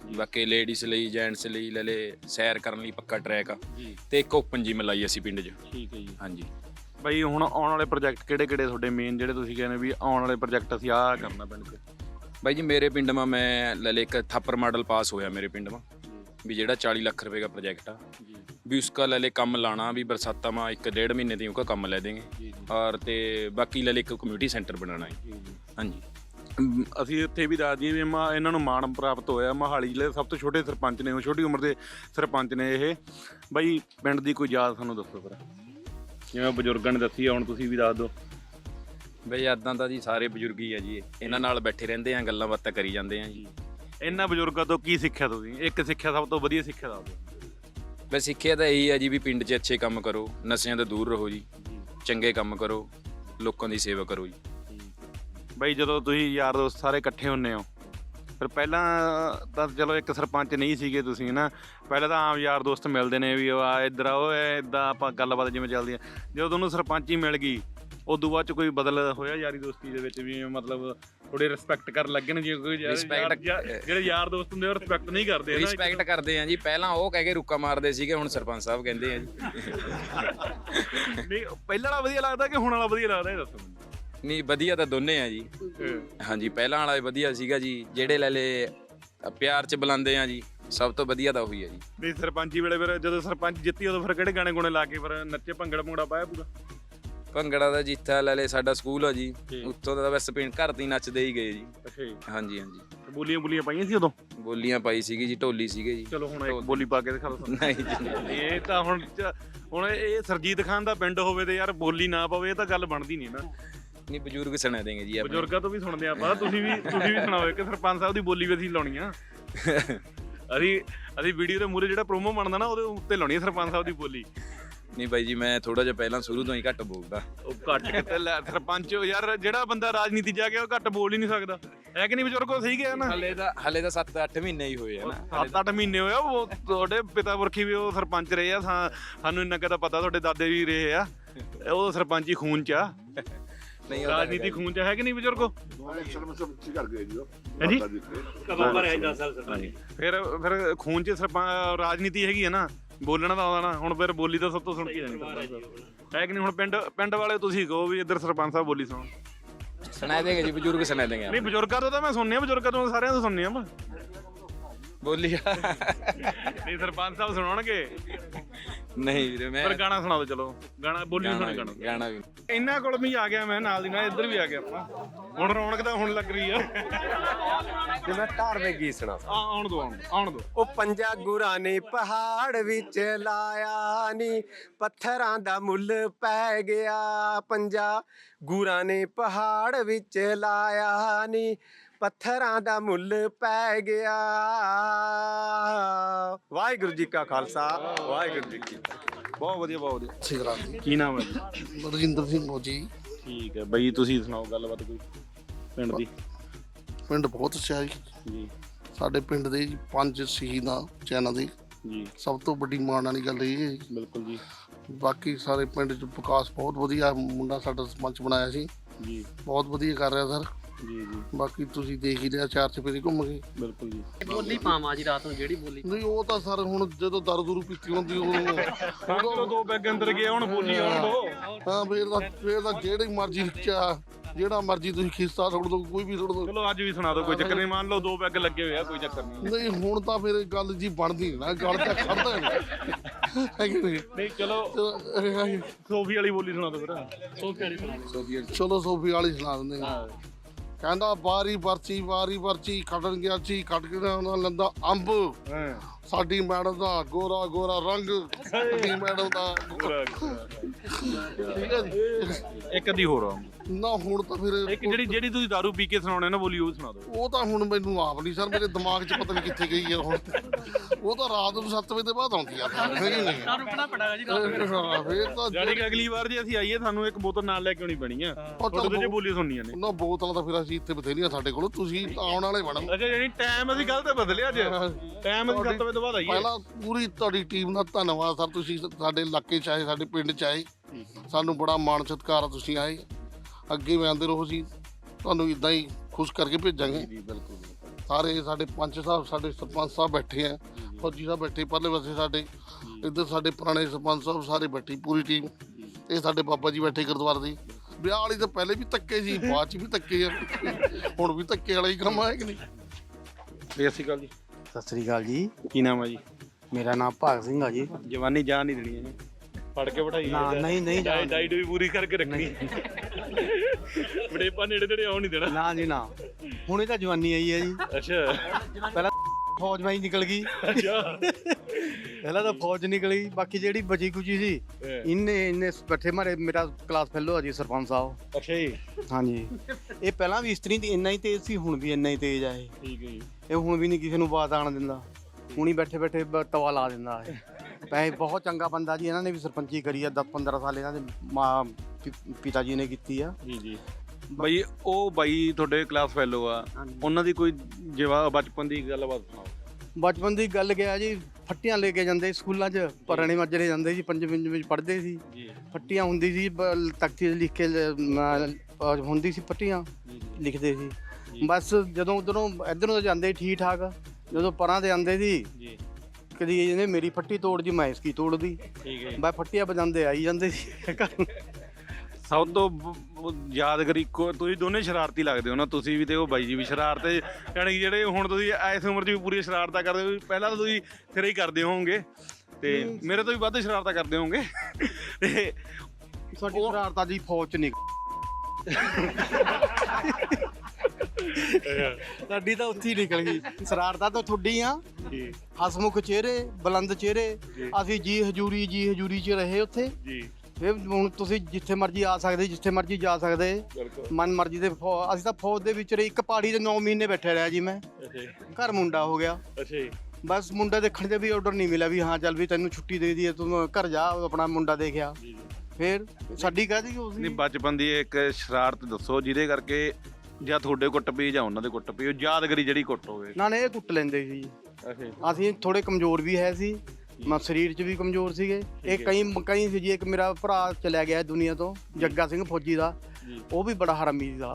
J: ਬਾਕੀ ਲੇਡੀਜ਼ ਲਈ ਜੈਂਟਸ ਲਈ ਲੈ ਲੇ ਸੈਰ ਕਰਨ ਲਈ ਪੱਕਾ ਟਰੈਕ ਆ ਤੇ ਇੱਕ ਓਪਨ ਜਿਮ ਲਾਈ ਅਸੀਂ ਪਿੰਡ 'ਚ।
A: ਠੀਕ ਹੈ ਜੀ।
J: ਹਾਂਜੀ
A: ਬਾਈ ਹੁਣ ਆਉਣ ਵਾਲੇ ਪ੍ਰੋਜੈਕਟ ਕਿਹੜੇ ਤੁਹਾਡੇ ਮੇਨ ਜਿਹੜੇ ਤੁਸੀਂ ਕਹਿੰਦੇ ਵੀ ਆਉਣ ਵਾਲੇ ਪ੍ਰੋਜੈਕਟ ਅਸੀਂ ਆਹ ਕਰਨਾ ਪਿੰਡ 'ਚ?
J: ਬਾਈ ਜੀ ਮੇਰੇ ਪਿੰਡ ਮਾ ਮੈਂ ਲੈ ਲੇ ਇੱਕ ਥਾਪਰ ਮਾਡਲ ਪਾਸ ਹੋਇਆ ਮੇਰੇ ਪਿੰਡ ਮਾ ਵੀ ਜਿਹੜਾ 40 ਲੱਖ रुपए का प्रोजेक्ट आ भी उसका ले ले कम लाना भी बरसाता में 1-1.5 महीने दी उसका कम ले देंगे और ते बाकी ले ले एक कम्यूनिटी सेंटर बनाना है। हाँ जी
A: ਅਸੀਂ ਇੱਥੇ ਵੀ ਦੱਸ ਦਈਏ ਵੀ ਇਹਨਾਂ ਨੂੰ ਮਾਣ ਪ੍ਰਾਪਤ ਹੋਇਆ। ਮੋਹਾਲੀ ਜ਼ਿਲ੍ਹੇ ਦੇ ਸਭ ਤੋਂ ਛੋਟੇ ਸਰਪੰਚ ਨੇ, ਉਹ ਛੋਟੀ ਉਮਰ ਦੇ ਸਰਪੰਚ ਨੇ ਇਹ। ਬਾਈ ਪਿੰਡ ਦੀ ਕੋਈ ਯਾਦ ਸਾਨੂੰ ਦੱਸੋ ਫਿਰ, ਜਿਵੇਂ ਬਜ਼ੁਰਗਾਂ ਨੇ ਦੱਸੀ ਆ, ਹੁਣ ਤੁਸੀਂ ਵੀ ਦੱਸ ਦਿਓ।
J: ਬਈ ਯਾਦਾਂ ਤਾਂ ਜੀ ਸਾਰੇ ਬਜ਼ੁਰਗ ਹੀ ਆ ਜੀ, ਇਹਨਾਂ ਨਾਲ ਬੈਠੇ ਰਹਿੰਦੇ ਆ, ਗੱਲਾਂ ਬਾਤਾਂ ਕਰੀ ਜਾਂਦੇ ਆ ਜੀ।
A: ਇਹਨਾਂ ਬਜ਼ੁਰਗਾਂ ਤੋਂ ਕੀ ਸਿੱਖਿਆ ਤੁਸੀਂ? ਇੱਕ ਸਿੱਖਿਆ ਸਭ ਤੋਂ ਵਧੀਆ ਸਿੱਖਿਆ ਦੱਸ ਦਿਓ।
J: ਬਸ ਸਿੱਖਿਆ ਤਾਂ ਇਹੀ ਆ ਜੀ ਵੀ ਪਿੰਡ 'ਚ ਅੱਛੇ ਕੰਮ ਕਰੋ, ਨਸ਼ਿਆਂ ਤੋਂ ਦੂਰ ਰਹੋ ਜੀ, ਚੰਗੇ ਕੰਮ ਕਰੋ, ਲੋਕਾਂ ਦੀ ਸੇਵਾ ਕਰੋ ਜੀ।
A: ਬਾਈ ਜਦੋਂ ਤੁਸੀਂ ਯਾਰ ਦੋਸਤ ਸਾਰੇ ਇਕੱਠੇ ਹੁੰਨੇ ਹੋ, ਫਿਰ ਪਹਿਲਾਂ ਤਾਂ ਚਲੋ ਇੱਕ ਸਰਪੰਚ ਨਹੀਂ ਸੀਗੇ ਤੁਸੀਂ ਨਾ, ਪਹਿਲਾਂ ਤਾਂ ਆਮ ਯਾਰ ਦੋਸਤ ਮਿਲਦੇ ਨੇ ਵੀ ਆ ਇੱਧਰ ਆਓ ਇੱਦਾਂ ਆਪਾਂ ਗੱਲਬਾਤ ਜਿਵੇਂ ਚੱਲਦੀ ਆ। ਜਦੋਂ ਤੁਹਾਨੂੰ ਸਰਪੰਚ ਹੀ ਮਿਲ ਗਈ ਉਦੋਂ ਬਾਅਦ ਚ ਕੋਈ ਬਦਲ ਹੋਇਆ ਯਾਰੀ ਦੋਸਤੀ ਦੇ ਵਿੱਚ ਵੀ? ਮਤਲਬ ਥੋੜੇ ਰਿਸਪੈਕਟ ਕਰਨ ਲੱਗੇ ਨੇ? ਜਿਵੇਂ ਕੋਈ ਜਿਹੜੇ ਯਾਰ ਦੋਸਤ ਹੁੰਦੇ ਉਹ ਰਿਸਪੈਕਟ ਨਹੀਂ ਕਰਦੇ?
J: ਰਿਸਪੈਕਟ ਕਰਦੇ ਆ ਜੀ, ਪਹਿਲਾਂ ਉਹ ਕਹਿ ਕੇ ਰੁੱਕਾ ਮਾਰਦੇ ਸੀਗੇ, ਹੁਣ ਸਰਪੰਚ ਸਾਹਿਬ ਕਹਿੰਦੇ ਆ ਜੀ।
A: ਨਹੀਂ ਪਹਿਲਾਂ ਵਾਲਾ ਵਧੀਆ ਲੱਗਦਾ ਕਿ ਹੁਣ ਵਾਲਾ ਵਧੀਆ ਲੱਗਦਾ, ਇਹ ਦੱਸੋ ਮੈਨੂੰ।
J: ਨਹੀਂ ਵਧੀਆ ਤਾਂ ਦੋਨੇ ਆ ਜੀ। ਹਾਂਜੀ ਪਹਿਲਾਂ ਵਾਲਾ ਵਧੀਆ ਸੀਗਾ ਜੀ, ਜਿਹੜੇ ਲੈ ਲੇ ਪਿਆਰ 'ਚ ਬੁਲਾਉਂਦੇ ਆ ਜੀ, ਸਭ ਤੋਂ ਵਧੀਆ ਤਾਂ ਉਹੀ ਆ ਜੀ।
A: ਨਹੀਂ ਸਰਪੰਚੀ ਵੇਲੇ ਫਿਰ ਜਦੋਂ ਸਰਪੰਚ ਜਿੱਤੀ ਉਦੋਂ ਫਿਰ ਕਿਹੜੇ ਗਾਣੇ ਗੁਣੇ ਲਾ ਕੇ ਫਿਰ ਨੱਚੇ, ਭੰਗੜਾ ਭੰਗੜਾ ਪਾਇਆ ਪੂਰਾ?
J: ਭੰਗੜਾ ਦਾ ਜਿੱਥਾ ਲੈ ਲੇ ਸਾਡਾ ਸਕੂਲ ਆ ਜੀ, ਉੱਥੋਂ ਦਾ ਬਸ ਪਿੰਡ ਘਰ ਤੇ ਨੱਚਦੇ ਹੀ ਗਏ ਜੀ।
A: ਅੱਛਾ ਜੀ।
J: ਹਾਂਜੀ ਹਾਂਜੀ
A: ਬੋਲੀਆਂ ਪਾਈਆਂ ਸੀ ਉਦੋਂ?
J: ਬੋਲੀਆਂ ਪਾਈ ਸੀਗੀ ਜੀ, ਢੋਲੀ ਸੀਗੇ ਜੀ।
A: ਚਲੋ ਹੁਣ ਇੱਕ ਬੋਲੀ ਪਾ ਕੇ ਦਿਖਾ ਦਿਓ।
J: ਨਹੀਂ ਜੀ
A: ਇਹ ਤਾਂ ਹੁਣ ਇਹ ਸਰਜੀਤ ਖਾਨ ਦਾ ਪਿੰਡ ਹੋਵੇ ਤੇ ਯਾਰ ਬੋਲੀ ਨਾ ਪਵੇ, ਇਹ ਤਾਂ ਗੱਲ ਬਣਦੀ ਨਹੀਂ ਨਾ।
J: ਨਹੀਂ ਬਜ਼ੁਰਗ ਸੁਣਾ ਦੇਂਗੇ ਜੀ,
A: ਬਜ਼ੁਰਗਾਂ ਤੋਂ ਵੀ ਸੁਣਦੇ ਆਪਾਂ। ਤੁਸੀਂ ਵੀ ਸੁਣਾਓ ਕਿ ਸਰਪੰਚ ਸਾਹਿਬ ਦੀ ਬੋਲੀ ਵੀ ਅਸੀਂ ਲਾਉਣੀ ਆ। ਅਸੀਂ ਵੀਡੀਓ ਦੇ ਮੂਹਰੇ ਜਿਹੜਾ ਪ੍ਰੋਮੋ ਬਣਦਾ ਨਾ ਉਹਦੇ ਉੱਤੇ ਲਾਉਣੀ ਆ ਸਰਪੰਚ ਸਾਹਿਬ ਦੀ ਬੋਲੀ।
J: ਨਹੀਂ ਬਾਈ ਜੀ ਮੈਂ ਥੋੜਾ ਜਿਹਾ ਪਹਿਲਾਂ ਸ਼ੁਰੂ ਤੋਂ ਹੀ ਘੱਟ ਬੋਲਦਾ।
A: ਉਹ ਘੱਟ ਕਿਤੇ ਸਰਪੰਚ ਯਾਰ ਜਿਹੜਾ ਬੰਦਾ ਰਾਜਨੀਤੀ ਜਾ ਕੇ ਉਹ ਘੱਟ ਬੋਲ ਹੀ ਨਹੀਂ ਸਕਦਾ, ਹੈ ਕਿ ਨਹੀਂ ਬਜ਼ੁਰਗੋ? ਸਹੀ ਗਿਆ ਨਾ?
J: ਹਲੇ ਤਾਂ 7-8 ਮਹੀਨੇ ਹੀ ਹੋਏ ਆ ਨਾ।
A: 7-8 ਮਹੀਨੇ ਹੋਇਆ। ਉਹ ਤੁਹਾਡੇ ਪਿਤਾ ਪੁਰਖੀ ਵੀ ਉਹ ਸਰਪੰਚ ਰਹੇ ਆ, ਸਾਨੂੰ ਇੰਨਾ ਕਦਾ ਪਤਾ, ਤੁਹਾਡੇ ਦਾਦੇ ਵੀ ਰਹੇ ਆ, ਉਹ ਸਰਪੰਚੀ ਖੂਨ ਚ ਆ।
J: ਨਹੀਂ
A: ਰਾਜਨੀਤੀ ਖੂਨ ਚ ਹੈ ਕਿ ਨਹੀਂ ਬਜ਼ੁਰਗੋ? ਫਿਰ ਖੂਨ ਚ ਰਾਜਨੀਤੀ ਹੈਗੀ ਹੈ ਨਾ, ਬੋਲਣਾ ਤਾਂ ਆਉਂਦਾ ਨਾ। ਹੁਣ ਫਿਰ ਬੋਲੀ ਤਾਂ ਸਭ ਤੋਂ ਸੁਣ ਕੇ ਜਾਣੀ ਹੈ ਕਿ ਨਹੀਂ? ਹੁਣ ਪਿੰਡ ਵਾਲੇ ਤੁਸੀਂ ਕਹੋ ਵੀ ਇੱਧਰ ਸਰਪੰਚ ਸਾਹਿਬ ਬੋਲੀ
J: ਸੁਣਾ ਦੇਗੇ ਜੀ, ਬਜ਼ੁਰਗ ਸੁਣਾ ਦੇਂਗੇ।
A: ਨਹੀਂ ਬਜ਼ੁਰਗਾਂ ਤੋਂ ਤਾਂ ਮੈਂ ਸੁਣਨੀ ਆ, ਬਜ਼ੁਰਗਾਂ ਤੋਂ ਸਾਰਿਆਂ ਤੋਂ ਸੁਣਨੀ ਆ
J: ਬੋਲੀ।
A: ਨਹੀਂ ਸਰਪੰਚ ਸਾਹਿਬ ਸੁਣਾਉਣਗੇ?
J: ਨਹੀਂ ਵੀਰੇ ਮੈਂ
A: ਫਿਰ ਗਾਣਾ ਸੁਣਾ ਦਿਓ। ਚਲੋ ਗਾਣਾ ਬੋਲੀ ਸੁਣਾ।
J: ਗਾਣਾ ਵੀ
A: ਇਹਨਾਂ ਕੋਲ ਵੀ ਆ ਗਿਆ ਮੈਂ, ਨਾਲ ਦੀ ਨਾਲ ਇੱਧਰ ਵੀ ਆ ਗਿਆ ਆਪਾਂ। ਹੁਣ ਰੌਣਕ ਤਾਂ ਹੁਣ ਲੱਗ ਰਹੀ ਆ।
K: ਤੇ ਮੈਂ ਧਾਰਮਿਕ ਗੀਤ ਸੁਣਾ।
A: ਆਉਣ ਦੋ।
K: ਉਹ ਪੰਜਾ ਗੁਰਾਂ ਨੇ ਪਹਾੜ ਵਿੱਚ ਲਾਇਆ ਨੀ, ਪੱਥਰਾਂ ਦਾ ਮੁੱਲ ਪੈ ਗਿਆ। ਪੰਜਾ ਗੁਰਾਂ ਨੇ ਪਹਾੜ ਵਿੱਚ ਲਾਇਆ ਨੀ, ਪੱਥਰਾਂ ਦਾ ਮੁੱਲ ਪੈ ਗਿਆ। ਵਾਹਿਗੁਰੂ ਜੀ ਕਾ ਖਾਲਸਾ, ਵਾਹਿਗੁਰੂ ਜੀ ਕੀ ਫਤਿਹ।
A: ਬਹੁਤ ਵਧੀਆ, ਬਹੁਤ ਵਧੀਆ।
E: ਸਿਗਰਾ
A: ਕੀ ਨਾਮ ਹੈ ਜੀ?
E: ਬਲਜਿੰਦਰ ਸਿੰਘ ਮੋਜੀ।
A: ਠੀਕ ਹੈ ਬਈ, ਤੁਸੀਂ ਸੁਣਾਓ ਗੱਲਬਾਤ ਕੋਈ ਪਿੰਡ ਦੀ।
E: ਪਿੰਡ ਬਹੁਤ ਅੱਛਾ ਜੀ। ਸਾਡੇ ਪਿੰਡ ਦੇ 5 ਸ਼ਹੀਦਾਂ ਚੈਨਾਂ ਦੇ
A: ਜੀ,
E: ਸਭ ਤੋਂ ਵੱਡੀ ਮਾਣ ਵਾਲੀ ਗੱਲ ਇਹ ਹੈ ਜੀ।
A: ਬਿਲਕੁਲ ਜੀ।
E: ਬਾਕੀ ਸਾਰੇ ਪਿੰਡ 'ਚ ਵਿਕਾਸ ਬਹੁਤ ਵਧੀਆ, ਮੁੰਡਾ ਸਾਡਾ ਸਰਪੰਚ ਬਣਾਇਆ ਸੀ
A: ਜੀ,
E: ਬਹੁਤ ਵਧੀਆ ਕਰ ਰਿਹਾ ਸਰ।
A: ਜੀ
E: ਬਾਕੀ ਤੁਸੀਂ ਦੇਖ ਹੀ ਲਿਆ, 4 ਚੁਫੇਰੇ ਘੁੰਮ ਗਏ।
A: ਬਿਲਕੁਲ ਜੀ।
I: ਬੋਲੀ ਪਾਵਾਂ ਜੀ ਰਾਤ ਨੂੰ ਜਿਹੜੀ ਬੋਲੀ?
E: ਨਹੀਂ ਉਹ ਤਾਂ ਸਰ ਹੁਣ ਜਦੋਂ ਦਾਰੂ ਦੂਰੂ ਪੀਤੀ ਹੁੰਦੀ
A: ਉਦੋਂ 2 ਪੈਗ ਅੰਦਰ ਗਏ, ਹੁਣ ਬੋਲੀ ਆਉਣ ਦੋ।
E: ਹਾਂ ਫੇਰ ਤਾਂ ਜਿਹੜੀ ਮਰਜ਼ੀ ਜਿਹੜਾ ਮਰਜ਼ੀ ਤੁਸੀਂ ਖਿੱਸਾ ਸੁੱਟ ਦੋ, ਕੋਈ ਵੀ ਸੁੱਟ ਦੋ।
A: ਚਲੋ ਅੱਜ ਵੀ ਸੁਣਾ ਦਿਓ, ਕੋਈ ਚੱਕਰ ਨਹੀਂ। ਮੰਨ ਲਓ 2 ਪੈਗ ਲੱਗੇ ਹੋਏ ਆ, ਕੋਈ ਚੱਕਰ ਨਹੀਂ।
E: ਨਹੀਂ ਹੁਣ ਤਾਂ ਫਿਰ ਗੱਲ ਜੀ ਬਣਦੀ ਨਹੀਂ ਨਾ, ਗੱਲ ਤਾਂ ਖੜਦਾ
A: ਨਹੀਂ। ਚਲੋ ਸੋਫੀ ਵਾਲੀ ਬੋਲੀ ਸੁਣਾ ਦਿਓ ਫਿਰ।
E: ਚਲੋ ਸੋਫੀ ਵਾਲੀ ਸੁਣਾ ਦਿੰਦੇ ਹਾਂ। ਕਹਿੰਦਾ ਵਾਰੀ ਵਰਚੀ ਖੱਟਣ ਗਿਆ ਸੀ, ਖੱਟ ਕੇ ਉਹਨਾਂ ਲੰਦਾ ਅੰਬ। ਸਾਡੀ ਮੈਡਮ ਦਾ ਗੋਰਾ ਰੰਗ, ਸਾਡੀ ਮੈਡਮ ਦਾ ਠੀਕ ਹੈ ਜੀ।
A: ਇੱਕ ਅੱਧੀ ਹੋਰ
E: ਨਾ ਹੁਣ ਤਾਂ ਫਿਰ
A: ਇੱਕ ਜਿਹੜੀ ਤੁਸੀਂ ਦਾਰੂ ਪੀ ਕੇ ਸੁਣਾਉਣੇ ਨਾ ਬੋਲੀ, ਉਹ ਸੁਣਾ ਦਿਓ।
E: ਉਹ ਤਾਂ ਹੁਣ ਮੈਨੂੰ ਆਪ ਨਹੀਂ ਸਰ, ਮੇਰੇ ਦਿਮਾਗ 'ਚ ਪਤਾ ਨਹੀਂ ਕਿੱਥੇ ਗਈ ਹੈ ਹੁਣ। ਉਹ ਤਾਂ ਰਾਤ ਨੂੰ 7 ਵਜੇ ਦੇ ਬਾਅਦ ਆਉਂਦੀ ਆ। ਫੇਰ ਤਾਂ
A: ਜਾਨੀ ਕਿ ਅਗਲੀ ਵਾਰ ਜੇ ਅਸੀਂ ਆਈਏ ਸਾਨੂੰ ਇੱਕ ਬੋਤਲ ਨਾਲ ਲੈ ਕੇ ਆਉਣੀ ਪੈਣੀ ਆ, ਤੁਹਾਡੇ ਤੇ ਬੋਲੀ ਸੁਣਨੀਆਂ ਨੇ।
E: ਨਾ ਬੋਤਲਾਂ ਤਾਂ ਫਿਰ ਅਸੀਂ ਇੱਥੇ ਬਥੇਰੀਆਂ ਸਾਡੇ ਕੋਲ, ਤੁਸੀਂ ਆਉਣ ਵਾਲੇ ਬਣੋ।
A: ਅੱਛਾ ਯਾਨੀ ਟਾਈਮ ਅਸੀਂ ਗਲਤ ਬਦਲਿਆ ਅੱਜ, ਟਾਈਮ ਅਸੀਂ 7 ਵਜੇ ਤੋਂ ਬਾਅਦ ਆਈਏ।
E: ਪਹਿਲਾਂ ਪੂਰੀ ਤੁਹਾਡੀ ਟੀਮ ਦਾ ਧੰਨਵਾਦ ਸਰ, ਤੁਸੀਂ ਸਾਡੇ ਇਲਾਕੇ 'ਚ ਆਏ, ਸਾਡੇ ਪਿੰਡ 'ਚ ਆਏ, ਸਾਨੂੰ ਬੜਾ ਮਾਣ ਸਤਿਕਾਰ ਆ, ਤੁਸੀਂ ਆਏ। ਅੱਗੇ ਵੀ ਆਉਂਦੇ ਰਹੋ ਜੀ, ਤੁਹਾਨੂੰ ਇਦਾਂ ਹੀ ਖੁਸ਼ ਕਰਕੇ ਭੇਜਾਂਗੇ।
A: ਜੀ ਬਿਲਕੁਲ।
E: ਸਾਰੇ ਸਾਡੇ ਪੰਚ ਸਾਹਿਬ, ਸਾਡੇ ਸਰਪੰਚ ਸਾਹਿਬ ਬੈਠੇ ਆ, ਫੌਜੀ ਸਾਹਿਬ ਬੈਠੇ ਪਰਲੇ ਪਾਸੇ ਸਾਡੇ, ਇੱਧਰ ਸਾਡੇ ਪੁਰਾਣੇ ਸਰਪੰਚ ਸਾਹਿਬ ਸਾਰੇ ਬੈਠੀ ਪੂਰੀ ਟੀਮ। ਇਹ ਸਾਡੇ ਬਾਬਾ ਜੀ ਬੈਠੇ ਗੁਰਦੁਆਰੇ ਦੇ। ਵਿਆਹ ਵਾਲੀ ਤਾਂ ਪਹਿਲੇ ਵੀ ਧੱਕੇ ਸੀ, ਬਾਅਦ ਚ ਵੀ ਧੱਕੇ ਆ, ਹੁਣ ਵੀ ਧੱਕੇ ਵਾਲਾ ਹੀ ਕੰਮ ਹੈ ਕਿ ਨਹੀਂ।
A: ਸਤਿ ਸ਼੍ਰੀ ਅਕਾਲ ਜੀ।
F: ਸਤਿ ਸ੍ਰੀ ਅਕਾਲ ਜੀ।
A: ਕੀ ਨਾਮ ਹੈ ਜੀ?
F: ਮੇਰਾ ਨਾਮ ਭਾਗ ਸਿੰਘ ਆ ਜੀ।
A: ਜਵਾਨੀ ਜਾਨ ਨਹੀਂ ਦੇਣੀ ਇਹਨੇ, ਫੜ ਕੇ ਬਿਠਾਈ
F: ਨਾ ਨਹੀਂ
A: ਡਾਈਟ ਵੀ ਪੂਰੀ ਕਰਕੇ ਰੱਖਣੀ, ਬੜੇਪਾ ਨੇੜੇ ਨੇੜੇ ਆਉਣ ਨਹੀਂ ਦੇਣਾ।
F: ਨਾ ਜੀ ਨਾ, ਹੁਣੇ ਤਾਂ ਜਵਾਨੀ ਆਈ ਹੈ ਜੀ।
A: ਅੱਛਾ
F: ਪਹਿਲਾਂ ਫੌਜ ਮੈਂ ਹੀ ਨਿਕਲ ਗਈ, ਪਹਿਲਾਂ ਤਾਂ ਫੌਜ ਨਿਕਲੀ, ਬਾਕੀ ਜਿਹੜੀ ਬਚੀ ਕੁਚੀ ਸੀ ਇੰਨੇ ਬੈਠੇ ਮਾਰੇ। ਮੇਰਾ ਕਲਾਸ ਫੈਲੋ ਆ ਜੀ ਸਰਪੰਚ ਸਾਹਿਬ।
A: ਅੱਛਾ ਜੀ।
F: ਹਾਂਜੀ, ਇਹ ਪਹਿਲਾਂ ਵੀ ਇਸਤਰੀ ਇੰਨਾ ਹੀ ਤੇਜ਼ ਸੀ, ਹੁਣ ਵੀ ਇੰਨਾ ਹੀ ਤੇਜ਼ ਆ ਇਹ।
A: ਠੀਕ ਹੈ ਜੀ।
F: ਇਹ ਹੁਣ ਵੀ ਨਹੀਂ ਕਿਸੇ ਨੂੰ ਬਾਤ ਆਣ ਦਿੰਦਾ, ਹੁਣੀ ਬੈਠੇ ਬੈਠੇ ਤਵਾ ਲਾ ਦਿੰਦਾ ਇਹ। ਵੈਸੇ ਬਹੁਤ ਚੰਗਾ ਬੰਦਾ ਜੀ, ਇਹਨਾਂ ਨੇ ਵੀ ਸਰਪੰਚੀ ਕਰੀ ਆ 10-15 ਸਾਲ, ਇਹਨਾਂ ਦੇ ਮਾਂ ਪਿਤਾ ਜੀ ਨੇ ਕੀਤੀ ਆ
A: ਜੀ। ਬਾਈ ਉਹ ਬਾਈ ਤੁਹਾਡੇ ਕਲਾਸ ਫੈਲੋ ਆ, ਉਹਨਾਂ ਦੀ ਕੋਈ ਬਚਪਨ ਦੀ ਗੱਲਬਾਤ ਸੁਣਾਓ।
F: ਬਚਪਨ ਦੀ ਗੱਲ ਗਿਆ ਜੀ, ਫੱਟੀਆਂ ਲੈ ਕੇ ਜਾਂਦੇ ਸਕੂਲਾਂ 'ਚ, ਪੁਰਾਣੇ ਮਾਜਰੇ ਜਾਂਦੇ ਸੀ, ਪੰਜਵੀਂ ਵਿੱਚ ਪੜ੍ਹਦੇ ਸੀ। ਫੱਟੀਆਂ ਹੁੰਦੀ ਸੀ, ਤਖਤੀ 'ਤੇ ਲਿਖ ਕੇ ਹੁੰਦੀ ਸੀ, ਫੱਟੀਆਂ ਲਿਖਦੇ ਸੀ। ਬਸ ਜਦੋਂ ਉਧਰੋਂ ਇੱਧਰੋਂ ਜਾਂਦੇ ਠੀਕ ਠਾਕ, ਜਦੋਂ ਪਰਾਂ ਤੇ ਆਉਂਦੇ ਸੀ ਕਦੀ ਇਹਨੇ ਮੇਰੀ ਫੱਟੀ ਤੋੜ ਦੀ, ਮੈਂ ਇਸकी ਤੋੜਦੀ। ਬਸ ਫੱਟੀਆਂ ਵਜਾਉਂਦੇ ਆਈ ਜਾਂਦੇ ਸੀ ਘਰ।
A: ਸਭ ਤੋਂ ਯਾਦਗਾਰੀ ਤੁਸੀਂ ਦੋਨੇ ਸ਼ਰਾਰਤੀ ਲੱਗਦੇ ਹੋ ਨਾ, ਤੁਸੀਂ ਵੀ ਤੇ ਉਹ ਬਾਈ ਜੀ ਵੀ ਸ਼ਰਾਰਤ, ਯਾਨੀ ਕਿ ਜਿਹੜੇ ਹੁਣ ਤੁਸੀਂ ਇਸ ਉਮਰ 'ਚ ਵੀ ਪੂਰੀ ਸ਼ਰਾਰਤਾਂ ਕਰਦੇ ਹੋ। ਪਹਿਲਾਂ ਤਾਂ ਤੁਸੀਂ ਸਿਰੇ ਹੀ ਕਰਦੇ ਹੋਵੋਗੇ ਤੇ ਮੇਰੇ ਤੋਂ ਵੀ ਵੱਧ ਸ਼ਰਾਰਤਾਂ ਕਰਦੇ ਹੋਵੋਗੇ। ਤੇ
F: ਸਾਡੀ ਸ਼ਰਾਰਤਾਂ ਜੀ ਫੌਜ 'ਚ ਨਹੀਂ, ਸਾਡੀ ਤਾਂ ਉੱਥੇ ਹੀ ਨਿਕਲ ਗਈ। ਸ਼ਰਾਰਤਾਂ ਤਾਂ ਤੁਹਾਡੀ ਆ, ਹਸਮੁਖ ਚਿਹਰੇ, ਬੁਲੰਦ ਚਿਹਰੇ, ਅਸੀਂ ਜੀ ਹਜੂਰੀ 'ਚ ਰਹੇ ਉੱਥੇ। ਫਿਰ ਹੁਣ ਤੁਸੀਂ ਜਿੱਥੇ ਮਰਜ਼ੀ ਆ ਸਕਦੇ, ਜਿੱਥੇ ਮਰਜ਼ੀ ਜਾ ਸਕਦੇ, ਮਨ ਮਰਜ਼ੀ ਦੇ। ਅਸੀਂ ਤਾਂ ਫੌਜ ਦੇ ਵਿੱਚ ਇੱਕ ਪਹਾੜੀ ਦੇ 9 ਮਹੀਨੇ ਬੈਠੇ ਰਿਹਾ ਜੀ ਮੈਂ। ਘਰ ਮੁੰਡਾ ਹੋ ਗਿਆ, ਬਸ ਮੁੰਡਾ ਦੇਖਣ ਦੇ ਵੀ ਆਰਡਰ ਨਹੀਂ ਮਿਲਿਆ ਵੀ ਹਾਂ ਚੱਲ ਵੀ ਤੈਨੂੰ ਛੁੱਟੀ ਦੇ ਦਈਏ, ਤੂੰ ਘਰ ਜਾ, ਆਪਣਾ ਮੁੰਡਾ ਦੇਖਿਆ। ਫਿਰ ਸਾਡੀ ਕਾਹਦੀ
A: ਨਹੀਂ, ਬਚਪਨ ਦੀ ਇੱਕ ਸ਼ਰਾਰਤ ਦੱਸੋ ਜਿਹਦੇ ਕਰਕੇ ਜਾਂ ਤੁਹਾਡੇ ਕੁੱਟ ਪਈ ਜਾਂ ਉਹਨਾਂ ਦੇ ਕੁੱਟ ਪਈ, ਉਹ ਯਾਦਗਾਰੀ ਜਿਹੜੀ ਕੁੱਟ ਹੋਵੇ।
F: ਨਾ ਇਹ ਕੁੱਟ ਲੈਂਦੇ ਸੀ। ਅਸੀਂ ਥੋੜੇ ਕਮਜ਼ੋਰ ਵੀ ਹੈ ਸੀ, ਸਰੀਰ 'ਚ ਵੀ ਕਮਜ਼ੋਰ ਸੀਗੇ। ਇਹ ਕਈ ਸੀ ਜੀ। ਇੱਕ ਮੇਰਾ ਭਰਾ ਚਲਿਆ ਗਿਆ ਦੁਨੀਆ ਤੋਂ, ਜੱਗਾ ਸਿੰਘ ਫੌਜੀ ਦਾ, ਉਹ ਵੀ ਬੜਾ ਹਰਾਮੀ ਦਾ।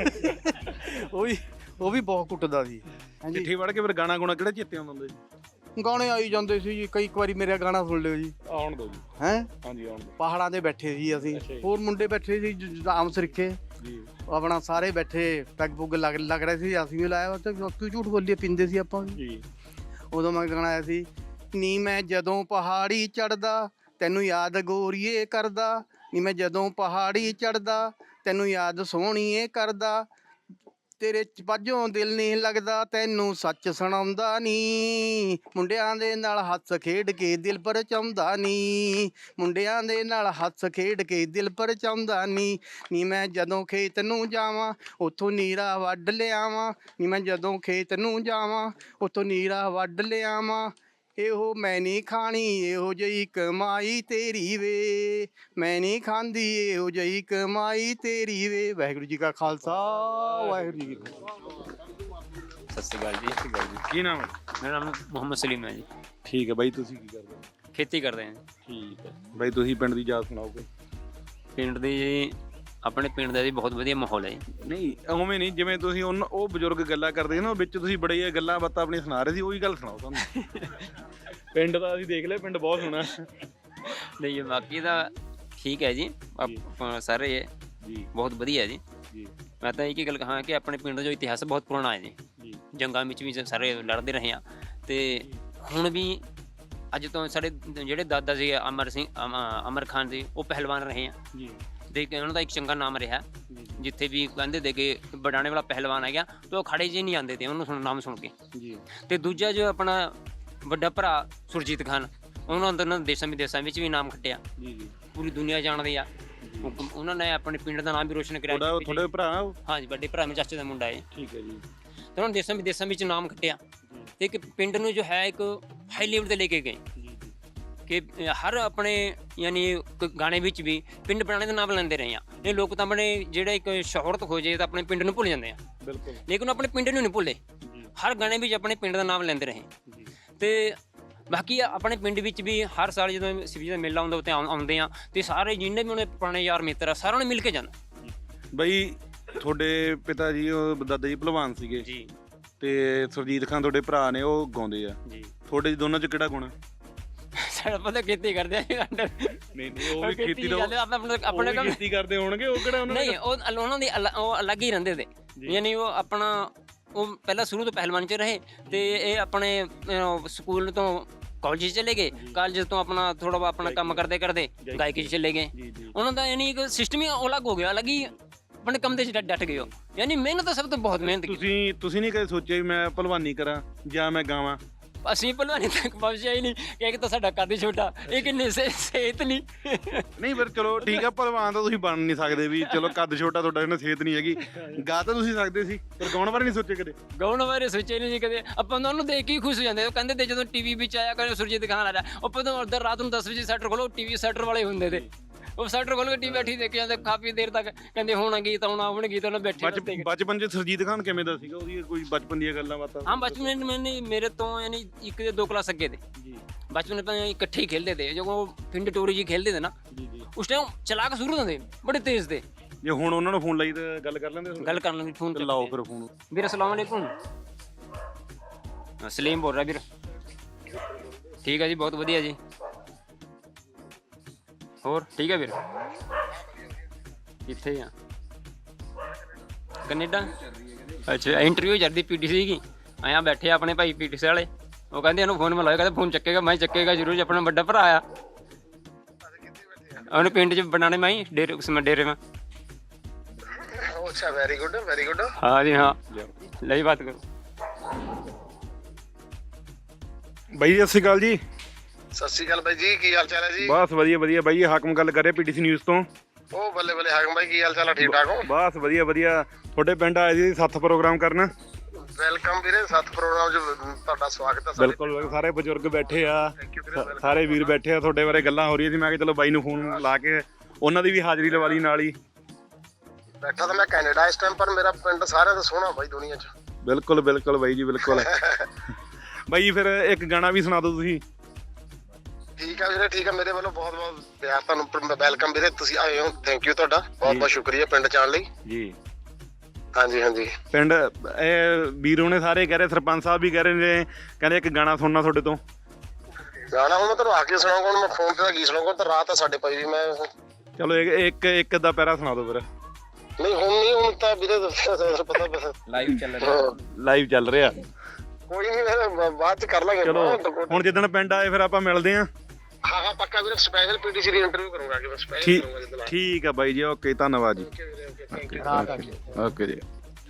F: ਉਹ ਵੀ ਬਹੁਤ ਕੁੱਟਦਾ ਸੀ।
A: ਚਿੱਠੀ ਵੜ ਕੇ ਫਿਰ ਗਾਣਾ ਗੁਣਾ ਕਿਹੜਾ ਚੇਤੇ ਆਉਂਦਾ ਹੁੰਦਾ ਜੀ?
F: ਗਾਣੇ ਆਈ ਜਾਂਦੇ ਸੀ ਜੀ। ਕਈ ਵਾਰੀ ਮੇਰਾ ਗਾਣਾ ਸੁਣ ਲਿਓ ਜੀ।
A: ਆਉਣ ਦਿਓ ਜੀ।
F: ਹੈਂ?
A: ਹਾਂਜੀ ਆਉਣ ਦਿਓ।
F: ਪਹਾੜਾਂ 'ਤੇ ਬੈਠੇ ਸੀ ਅਸੀਂ, ਹੋਰ ਮੁੰਡੇ ਬੈਠੇ ਸੀ ਆਮ ਸਰੀਕੇ ਆਪਣਾ, ਸਾਰੇ ਬੈਠੇ ਪੈਗ ਪੁੱਗ ਲੱਗ ਰਹੇ ਸੀ। ਅਸੀਂ ਵੀ ਲਾਇਆ, ਕਿਉਂ ਝੂਠ ਬੋਲੀਏ, ਪੀਂਦੇ ਸੀ ਆਪਾਂ ਵੀ। ਉਦੋਂ ਮੈਂ ਗਾਣਾ ਆਇਆ ਸੀ, ਨੀ ਮੈਂ ਜਦੋਂ ਪਹਾੜੀ ਚੜਦਾ ਤੈਨੂੰ ਯਾਦ ਗੋਰੀਏ ਕਰਦਾ, ਨੀ ਮੈਂ ਜਦੋਂ ਪਹਾੜੀ ਚੜਦਾ ਤੈਨੂੰ ਯਾਦ ਸੋਹਣੀਏ ਕਰਦਾ, ਤੇਰੇ ਪਾਜੋਂ ਦਿਲ ਨਹੀਂ ਲੱਗਦਾ ਤੈਨੂੰ ਸੱਚ ਸੁਣਾਉਂਦਾ ਨੀ, ਮੁੰਡਿਆਂ ਦੇ ਨਾਲ ਹੱਸ ਖੇਡ ਕੇ ਦਿਲ ਪਰਚਾਉਂਦਾ ਨੀ, ਮੁੰਡਿਆਂ ਦੇ ਨਾਲ ਹੱਸ ਖੇਡ ਕੇ ਦਿਲ ਪਰਚਾਉਂਦਾ ਨੀ, ਨੀ ਮੈਂ ਜਦੋਂ ਖੇਤ ਨੂੰ ਜਾਵਾਂ ਉੱਥੋਂ ਨੀਰਾ ਵੱਢ ਲਿਆਵਾਂ, ਨੀ ਮੈਂ ਜਦੋਂ ਖੇਤ ਨੂੰ ਜਾਵਾਂ ਉੱਥੋਂ ਨੀਰਾ ਵੱਢ ਲਿਆਵਾਂ, ਇਹੋ ਮੈਂ ਨਹੀਂ ਖਾਣੀ ਇਹੋ ਜਿਹੀ ਕਮਾਈ ਤੇਰੀ ਵੇ, ਮੈਂ ਨਹੀਂ ਖਾਂਦੀ ਇਹੋ ਜਿਹੀ ਕਮਾਈ ਤੇਰੀ ਵੇ। ਵਾਹਿਗੁਰੂ ਜੀ ਕਾ ਖਾਲਸਾ, ਵਾਹਿਗੁਰੂ ਜੀ ਕੀ ਫਤਿਹ।
L: ਸਤਿ ਸ਼੍ਰੀ ਅਕਾਲ ਜੀ।
A: ਕੀ ਨਾਮ ਹੈ?
L: ਮੇਰਾ ਨਾਮ ਮੁਹੰਮਦ ਸਲੀਮ ਹੈ ਜੀ।
A: ਠੀਕ ਹੈ ਬਾਈ, ਤੁਸੀਂ ਕੀ ਕਰਦੇ ਹੋ?
L: ਖੇਤੀ ਕਰਦੇ ਹਾਂ।
A: ਠੀਕ ਹੈ ਬਾਈ, ਤੁਸੀਂ ਪਿੰਡ ਦੀ ਯਾਦ ਸੁਣਾਓਗੇ?
L: ਪਿੰਡ ਦੀ ਜੀ, ਆਪਣੇ ਪਿੰਡ ਦਾ ਜੀ ਬਹੁਤ ਵਧੀਆ ਮਾਹੌਲ ਹੈ।
A: ਨਹੀਂ ਉਵੇਂ ਨਹੀਂ, ਜਿਵੇਂ ਤੁਸੀਂ ਉਹ ਬਜ਼ੁਰਗ ਗੱਲਾਂ ਕਰਦੇ ਸੀ ਨਾ, ਵਿੱਚ ਤੁਸੀਂ ਬੜੇ ਗੱਲਾਂ ਬਾਤਾਂ ਆਪਣੀ ਸੁਣਾ ਰਹੇ ਸੀ, ਉਹੀ ਗੱਲ ਸੁਣਾਓ ਤੁਹਾਨੂੰ। ਪਿੰਡ ਦਾ ਅਸੀਂ ਦੇਖ ਲਿਆ, ਪਿੰਡ ਬਹੁਤ ਸੋਹਣਾ।
L: ਨਹੀਂ ਬਾਕੀ ਦਾ ਠੀਕ ਹੈ ਜੀ, ਸਾਰੇ ਜੀ ਬਹੁਤ ਵਧੀਆ ਜੀ। ਮੈਂ ਤਾਂ ਇੱਕ ਹੀ ਗੱਲ ਕਹਾਂ ਕਿ ਆਪਣੇ ਪਿੰਡ ਦਾ ਜੋ ਇਤਿਹਾਸ ਬਹੁਤ ਪੁਰਾਣਾ ਹੈ ਜੀ। ਜੰਗਾਂ ਵਿੱਚ ਵੀ ਸਾਰੇ ਲੜਦੇ ਰਹੇ ਆ, ਤੇ ਹੁਣ ਵੀ ਅੱਜ ਤੋਂ ਸਾਡੇ ਜਿਹੜੇ ਦਾਦਾ ਸੀ ਅਮਰ ਖਾਨ ਜੀ, ਉਹ ਪਹਿਲਵਾਨ ਰਹੇ ਆ ਤੇ ਉਹਨਾਂ ਦਾ ਇੱਕ ਚੰਗਾ ਨਾਮ ਰਿਹਾ। ਜਿੱਥੇ ਵੀ ਕਹਿੰਦੇ ਦੇ ਕਿ ਬੜਾਣੇ ਵਾਲਾ ਪਹਿਲਵਾਨ ਆ ਗਿਆ, ਤੇ ਉਹ ਖੜੇ ਜਿਹੇ ਨਹੀਂ ਆਉਂਦੇ ਤੇ ਉਹਨੂੰ ਨਾਮ ਸੁਣ ਕੇ। ਤੇ ਦੂਜਾ ਜੋ ਆਪਣਾ ਵੱਡਾ ਭਰਾ ਸੁਰਜੀਤ ਖਾਨ, ਉਹਨਾਂ ਅੰਦਰ ਦੇਸ਼ਾਂ ਵਿਦੇਸ਼ਾਂ ਵਿੱਚ ਵੀ ਨਾਮ ਖੱਟਿਆ, ਪੂਰੀ ਦੁਨੀਆ ਜਾਣਦੀ ਆ। ਉਹਨਾਂ ਨੇ ਆਪਣੇ ਪਿੰਡ ਦਾ ਨਾਮ ਵੀ ਰੋਸ਼ਨ ਕਰਿਆ।
A: ਤੁਹਾਡੇ ਭਰਾ?
L: ਹਾਂਜੀ, ਵੱਡੇ ਭਰਾ ਮੇਰੇ ਚਾਚੇ ਦਾ ਮੁੰਡਾ ਹੈ।
A: ਠੀਕ ਹੈ ਜੀ।
L: ਤੇ ਉਹਨਾਂ ਦੇਸ਼ਾਂ ਵਿਦੇਸ਼ਾਂ ਵਿੱਚ ਨਾਮ ਖੱਟਿਆ, ਤੇ ਇੱਕ ਪਿੰਡ ਨੂੰ ਜੋ ਹੈ ਇੱਕ ਹਾਈ ਲੈਵਲ ਤੇ ਲੈ ਕੇ ਗਏ ਕਿ ਹਰ ਆਪਣੇ ਯਾਨੀ ਗਾਣੇ ਵਿੱਚ ਵੀ ਪਿੰਡ ਬਣਾਉਣੇ ਦਾ ਨਾਮ ਲੈਂਦੇ ਰਹੇ ਆ। ਇਹ ਲੋਕ ਤਾਂ ਆਪਣੇ ਜਿਹੜਾ ਇੱਕ ਸ਼ੋਹਰਤ ਹੋ ਜਾਏ ਤਾਂ ਆਪਣੇ ਪਿੰਡ ਨੂੰ ਭੁੱਲ ਜਾਂਦੇ ਆ।
A: ਬਿਲਕੁਲ।
L: ਲੇਕਿਨ ਆਪਣੇ ਪਿੰਡ ਨੂੰ ਨਹੀਂ ਭੁੱਲੇ, ਹਰ ਗਾਣੇ ਵਿੱਚ ਆਪਣੇ ਪਿੰਡ ਦਾ ਨਾਮ ਲੈਂਦੇ ਰਹੇ। ਤੇ ਬਾਕੀ ਆਪਣੇ ਪਿੰਡ ਵਿੱਚ ਵੀ ਹਰ ਸਾਲ ਜਦੋਂ ਸ਼ਿਵਜੀ ਦਾ ਮੇਲਾ ਹੁੰਦਾ ਉੱਥੇ ਆਉਂਦੇ ਆ, ਤੇ ਸਾਰੇ ਜਿੰਨੇ ਵੀ ਉਹਨੇ ਪੁਰਾਣੇ ਯਾਰ ਮਿੱਤਰ ਆ ਸਾਰਿਆਂ ਨੂੰ ਮਿਲ ਕੇ ਜਾਣਾ।
A: ਬਈ ਤੁਹਾਡੇ ਪਿਤਾ ਜੀ, ਉਹ ਦਾਦਾ ਜੀ ਭਲਵਾਨ ਸੀਗੇ
L: ਜੀ,
A: ਤੇ ਸੁਰਜੀਤ ਖਾਨ ਤੁਹਾਡੇ ਭਰਾ ਨੇ ਉਹ ਗਾਉਂਦੇ ਆ
L: ਜੀ
A: ਤੁਹਾਡੇ ਦੋਨਾਂ 'ਚ ਕਿਹੜਾ ਗੁਣ ਆ?
L: ਸਾਡਾ ਪਤਾ ਖੇਤੀ ਕਰਦੇ ਆ
A: ਨਹੀਂ ਉਹ ਵੀ ਖੇਤੀ ਦਾ
L: ਆਪਣੇ ਕੰਮ
A: ਖੇਤੀ ਕਰਦੇ ਹੋਣਗੇ ਉਹ ਕਿਹੜਾ ਉਹਨਾਂ
L: ਨਹੀਂ ਉਹਨਾਂ ਦੀ ਉਹ ਅਲੱਗ ਹੀ ਰਹਿੰਦੇ ਤੇ ਯਾਨੀ ਉਹ ਆਪਣਾ ਉਹ ਪਹਿਲਾਂ ਸ਼ੁਰੂ ਤੋਂ ਪਹਿਲਵਾਨ ਚ ਰਹੇ ਤੇ ਇਹ ਆਪਣੇ ਸਕੂਲ ਤੋਂ ਕਾਲਜ ਚਲੇ ਗਏ ਕਾਲਜ ਤੋਂ ਆਪਣਾ ਥੋੜਾ ਬਹੁਤ ਆਪਣਾ ਕੰਮ ਕਰਦੇ ਕਰਦੇ ਗਾਇਕੀ 'ਚ ਚਲੇ ਗਏ ਉਹਨਾਂ ਦਾ ਯਾਨੀ ਇੱਕ ਸਿਸਟਮ ਹੀ ਅਲੱਗ ਹੋ ਗਿਆ ਅਲੱਗ ਹੀ ਆਪਣੇ ਕੰਮ ਦੇ 'ਚ ਡਟ ਗਏ ਹੋ ਯਾਨੀ ਮਿਹਨਤ ਤਾਂ ਸਭ ਤੋਂ ਬਹੁਤ ਮਿਹਨਤ ਕੀਤੀ
A: ਤੁਸੀਂ ਨਹੀਂ ਕਦੇ ਸੋਚਿਆ ਵੀ ਮੈਂ ਭਲਵਾਨੀ ਕਰਾਂ ਜਾਂ ਮੈਂ ਗਾਵਾਂ?
L: ਅਸੀਂ ਭਲਵਾਨੀ ਤੱਕ ਪਹੁੰਚਿਆ ਹੀ ਨਹੀਂ ਕਿ ਇੱਕ ਤਾਂ ਸਾਡਾ ਕੱਦ ਛੋਟਾ ਇਹ ਕਿੰਨੇ ਸਿਹਤ ਨਹੀਂ
A: ਨਹੀਂ ਪਰ ਚਲੋ ਠੀਕ ਆ ਭਲਵਾਨ ਤਾਂ ਤੁਸੀਂ ਬਣ ਨਹੀਂ ਸਕਦੇ ਵੀ ਚਲੋ ਕੱਦ ਛੋਟਾ ਤੁਹਾਡਾ ਇਹਨਾਂ ਸਿਹਤ ਨਹੀਂ ਹੈਗੀ ਗਾ ਤਾਂ ਤੁਸੀਂ ਸਕਦੇ ਸੀ ਪਰ ਗਾਉਣ ਬਾਰੇ ਨਹੀਂ ਸੋਚਿਆ ਕਦੇ?
L: ਗਾਉਣ ਬਾਰੇ ਸੋਚਿਆ ਨਹੀਂ ਜੀ ਕਦੇ ਆਪਾਂ ਤਾਂ ਉਹਨੂੰ ਦੇਖ ਕੇ ਹੀ ਖੁਸ਼ ਹੋ ਜਾਂਦੇ ਉਹ ਕਹਿੰਦੇ ਤੇ ਜਦੋਂ ਟੀਵੀ ਵਿੱਚ ਆਇਆ ਕਰੇ ਸੁਰਜੀਤ ਖਾਨ ਆ ਰਿਹਾ ਆਪਾਂ ਤਾਂ ਉਧਰ ਰਾਤ ਨੂੰ 10 ਵਜੇ ਸੈਟਰ ਖੋਲੋ ਟੀਵੀ ਸੈਟਰ ਵਾਲੇ ਹੁੰਦੇ ਤੇ ਉਹ ਸੈਟਰ ਖੋਲ ਕੇ ਟੀਵੀ ਬੈਠੀ ਦੇਖ ਜਾਂਦੇ ਕਾਫੀ ਦੇਰ ਤੱਕ ਕਹਿੰਦੇ ਹੁਣ ਗੀਤ ਆਉਣਾ ਹੁਣ ਗੀਤ ਆਉਣਾ ਬੈਠੇ
A: ਬਚਪਨ 'ਚ ਸੁਰਜੀਤ ਖਾਨ ਕਿਵੇਂ ਦਾ ਸੀਗਾ ਉਹਦੀ ਕੋਈ ਬਚਪਨ ਦੀਆਂ ਗੱਲਾਂ ਬਾਤਾਂ?
L: ਹਾਂ ਬਚਪਨ में मेरे तो यानी एक या 2 क्लास अगे थे बचपन में इकट्ठे ही खेलते थे जो पिंड टोरी जी खेलते थे ना उस टाइम चलाक शुरू थे बड़े तेज थे
A: ਜੇ ਹੁਣ ਉਹਨਾਂ ਨੂੰ ਫੋਨ ਲਾਈ ਤਾਂ ਗੱਲ ਕਰ ਲੈਂਦੇ?
L: गल कर लेंगे फोन
A: ਤੇ ਲਾਓ ਫਿਰ ਫੋਨ।
L: ਵੀਰ अस्सलाम वालेकुम सलीम बोल रहा ਵੀਰ ठीक है जी बहुत ਵਧੀਆ जी ਹੋਰ ਠੀਕ ਹੈ ਵੀਰ ਕਿੱਥੇ ਆ ਕੈਨੇਡਾ ਅੱਛਾ ਇੰਟਰਵਿਊ ਚੱਲਦੀ ਪੀਟੀਸੀ ਦੀ ਆਇਆ ਬੈਠੇ ਆਪਣੇ ਭਾਈ ਪੀਟੀਸੀ ਵਾਲੇ ਉਹ ਕਹਿੰਦੇ ਇਹਨੂੰ ਫੋਨ ਮਿਲਾਓ ਕਹਿੰਦੇ ਫੋਨ ਚੱਕੇਗਾ ਮੈਂ ਚੱਕੇਗਾ ਜ਼ਰੂਰ ਜੀ ਆਪਣਾ ਵੱਡਾ ਭਰਾ ਆ ਉਹਨੇ ਪਿੰਡ 'ਚ ਬਣਾਣੇ ਮੈਂ ਡੇਰੇ ਉਸमें ਡੇਰੇ में
B: अच्छा वेरी गुड
L: हाँ जी हाँ लई बात करो
A: ਬਾਈ ਜੀ ਸਤਿ ਸ਼੍ਰੀ ਅਕਾਲ ਜੀ।
B: ਸਤਿ ਸ਼੍ਰੀ ਅਕਾਲ ਬਾਈ ਜੀ ਕੀ ਹਾਲ ਚਾਲ ਹੈ ਜੀ?
A: ਬਸ ਵਧੀਆ ਵਧੀਆ ਬਾਈ ਜੀ ਹਾਕਮ ਗੱਲ ਕਰ ਰਿਹਾ ਪੀਟੀਸੀ ਨਿਊਜ਼ ਤੋਂ।
B: ਉਹ ਬੱਲੇ ਬੱਲੇ ਹਾਕਮ ਬਾਈ ਕੀ ਹਾਲ ਚਾਲ ਹੈ ਠੀਕ ਠਾਕ ਹੋ?
A: ਬਸ ਵਧੀਆ ਵਧੀਆ ਤੁਹਾਡੇ ਪਿੰਡ ਆਏ ਸੀ ਸੱਥ ਪ੍ਰੋਗਰਾਮ ਕਰਨ।
B: ਵੈਲਕਮ ਵੀਰੇ ਸੱਤ ਪ੍ਰੋਗਰਾਮ 'ਚ ਤੁਹਾਡਾ ਸਵਾਗਤ ਹੈ।
A: ਬਿਲਕੁਲ ਸਾਰੇ ਬਜ਼ੁਰਗ ਬੈਠੇ ਆ ਸਾਰੇ ਵੀਰ ਬੈਠੇ ਆ ਤੁਹਾਡੇ ਬਾਰੇ ਗੱਲਾਂ ਹੋ ਰਹੀਆਂ ਸੀ ਮੈਂ ਕਿਹਾ ਚਲੋ ਬਾਈ ਨੂੰ ਫੋਨ ਲਾ ਕੇ ਉਹਨਾਂ ਦੀ ਵੀ ਹਾਜ਼ਰੀ ਲਵਾ ਲਈ ਨਾਲ ਹੀ।
B: ਬੈਠਾ ਤਾਂ ਮੈਂ ਕੈਨੇਡਾ ਇਸ ਟਾਈਮ ਪਰ ਮੇਰਾ ਪਿੰਡ ਸਾਰਿਆਂ ਤੋਂ ਸੋਹਣਾ ਬਾਈ ਦੁਨੀਆ 'ਚ।
A: ਬਿਲਕੁਲ ਬਿਲਕੁਲ ਬਾਈ ਜੀ ਬਿਲਕੁਲ। ਬਾਈ ਫਿਰ ਇੱਕ ਗਾਣਾ ਵੀ ਸੁਣਾ ਦਿਓ ਤੁਸੀਂ।
B: ਠੀਕ ਆ ਵੀਰੇ ਠੀਕ ਆ ਮੇਰੇ ਵੱਲੋਂ ਬਹੁਤ ਬਹੁਤ ਪਿਆਰ ਤੁਹਾਨੂੰ ਵੈਲਕਮ ਵੀਰੇ ਤੁਸੀਂ ਆਏ ਹੋ ਥੈਂਕ ਯੂ ਤੁਹਾਡਾ ਬਹੁਤ ਬਹੁਤ ਸ਼ੁਕਰੀਆ ਪਿੰਡ 'ਚ ਆਉਣ ਲਈ
A: ਜੀ।
B: ਹਾਂਜੀ
A: ਪਿੰਡ ਇਹ ਵੀਰੋ ਨੇ ਸਾਰੇ ਕਹਿ ਰਹੇ ਸਰਪੰਚ ਸਾਹਿਬ ਵੀ ਕਹਿ ਰਹੇ ਨੇ ਕਹਿੰਦੇ ਇੱਕ ਗਾਣਾ ਸੁਣਨਾ ਤੁਹਾਡੇ ਤੋਂ।
B: ਗਾਣਾ ਹੁਣ ਮੈਂ ਤੁਹਾਨੂੰ ਆ ਕੇ ਸੁਣਾਉਂਗਾ ਹੁਣ ਮੈਂ ਫੋਨ ਤੇ ਤਾਂ ਕੀ ਸੁਣਾਉਂਗਾ ਤਾਂ ਰਾਤ ਆ ਸਾਡੇ ਪਈ ਵੀ ਮੈਂ
A: ਚਲੋ ਇੱਕ ਅੱਧਾ ਪੈਰਾ ਸੁਣਾ ਦਿਓ ਫਿਰ।
B: ਨਹੀਂ ਹੁਣ ਤਾਂ ਵੀਰੇ ਪਤਾ
A: ਲਾਈਵ ਚੱਲ ਰਿਹਾ
B: ਕੋਈ ਨਹੀਂ ਬਾਅਦ 'ਚ ਕਰ ਲਾਂਗੇ।
A: ਚਲੋ ਹੁਣ ਜਿੱਦਣ ਪਿੰਡ ਆਏ ਫਿਰ ਆਪਾਂ ਮਿਲਦੇ ਆਂ।
B: ਹਾਂ ਪੱਕਾ ਵੀਰੇ ਸਪੈਸ਼ਲ ਪੀਟੀਸੀ ਦੀ ਇੰਟਰਵਿਊ ਕਰੂੰਗਾ ਕਿ ਮੈਂ ਸਪੈਸ਼ਲ ਕਰੂੰਗਾ ਜਿੱਦਣ
A: ਠੀਕ ਆ ਬਾਈ ਜੀ ਓਕੇ ਧੰਨਵਾਦ ਜੀ ਓਕੇ ਜੀ।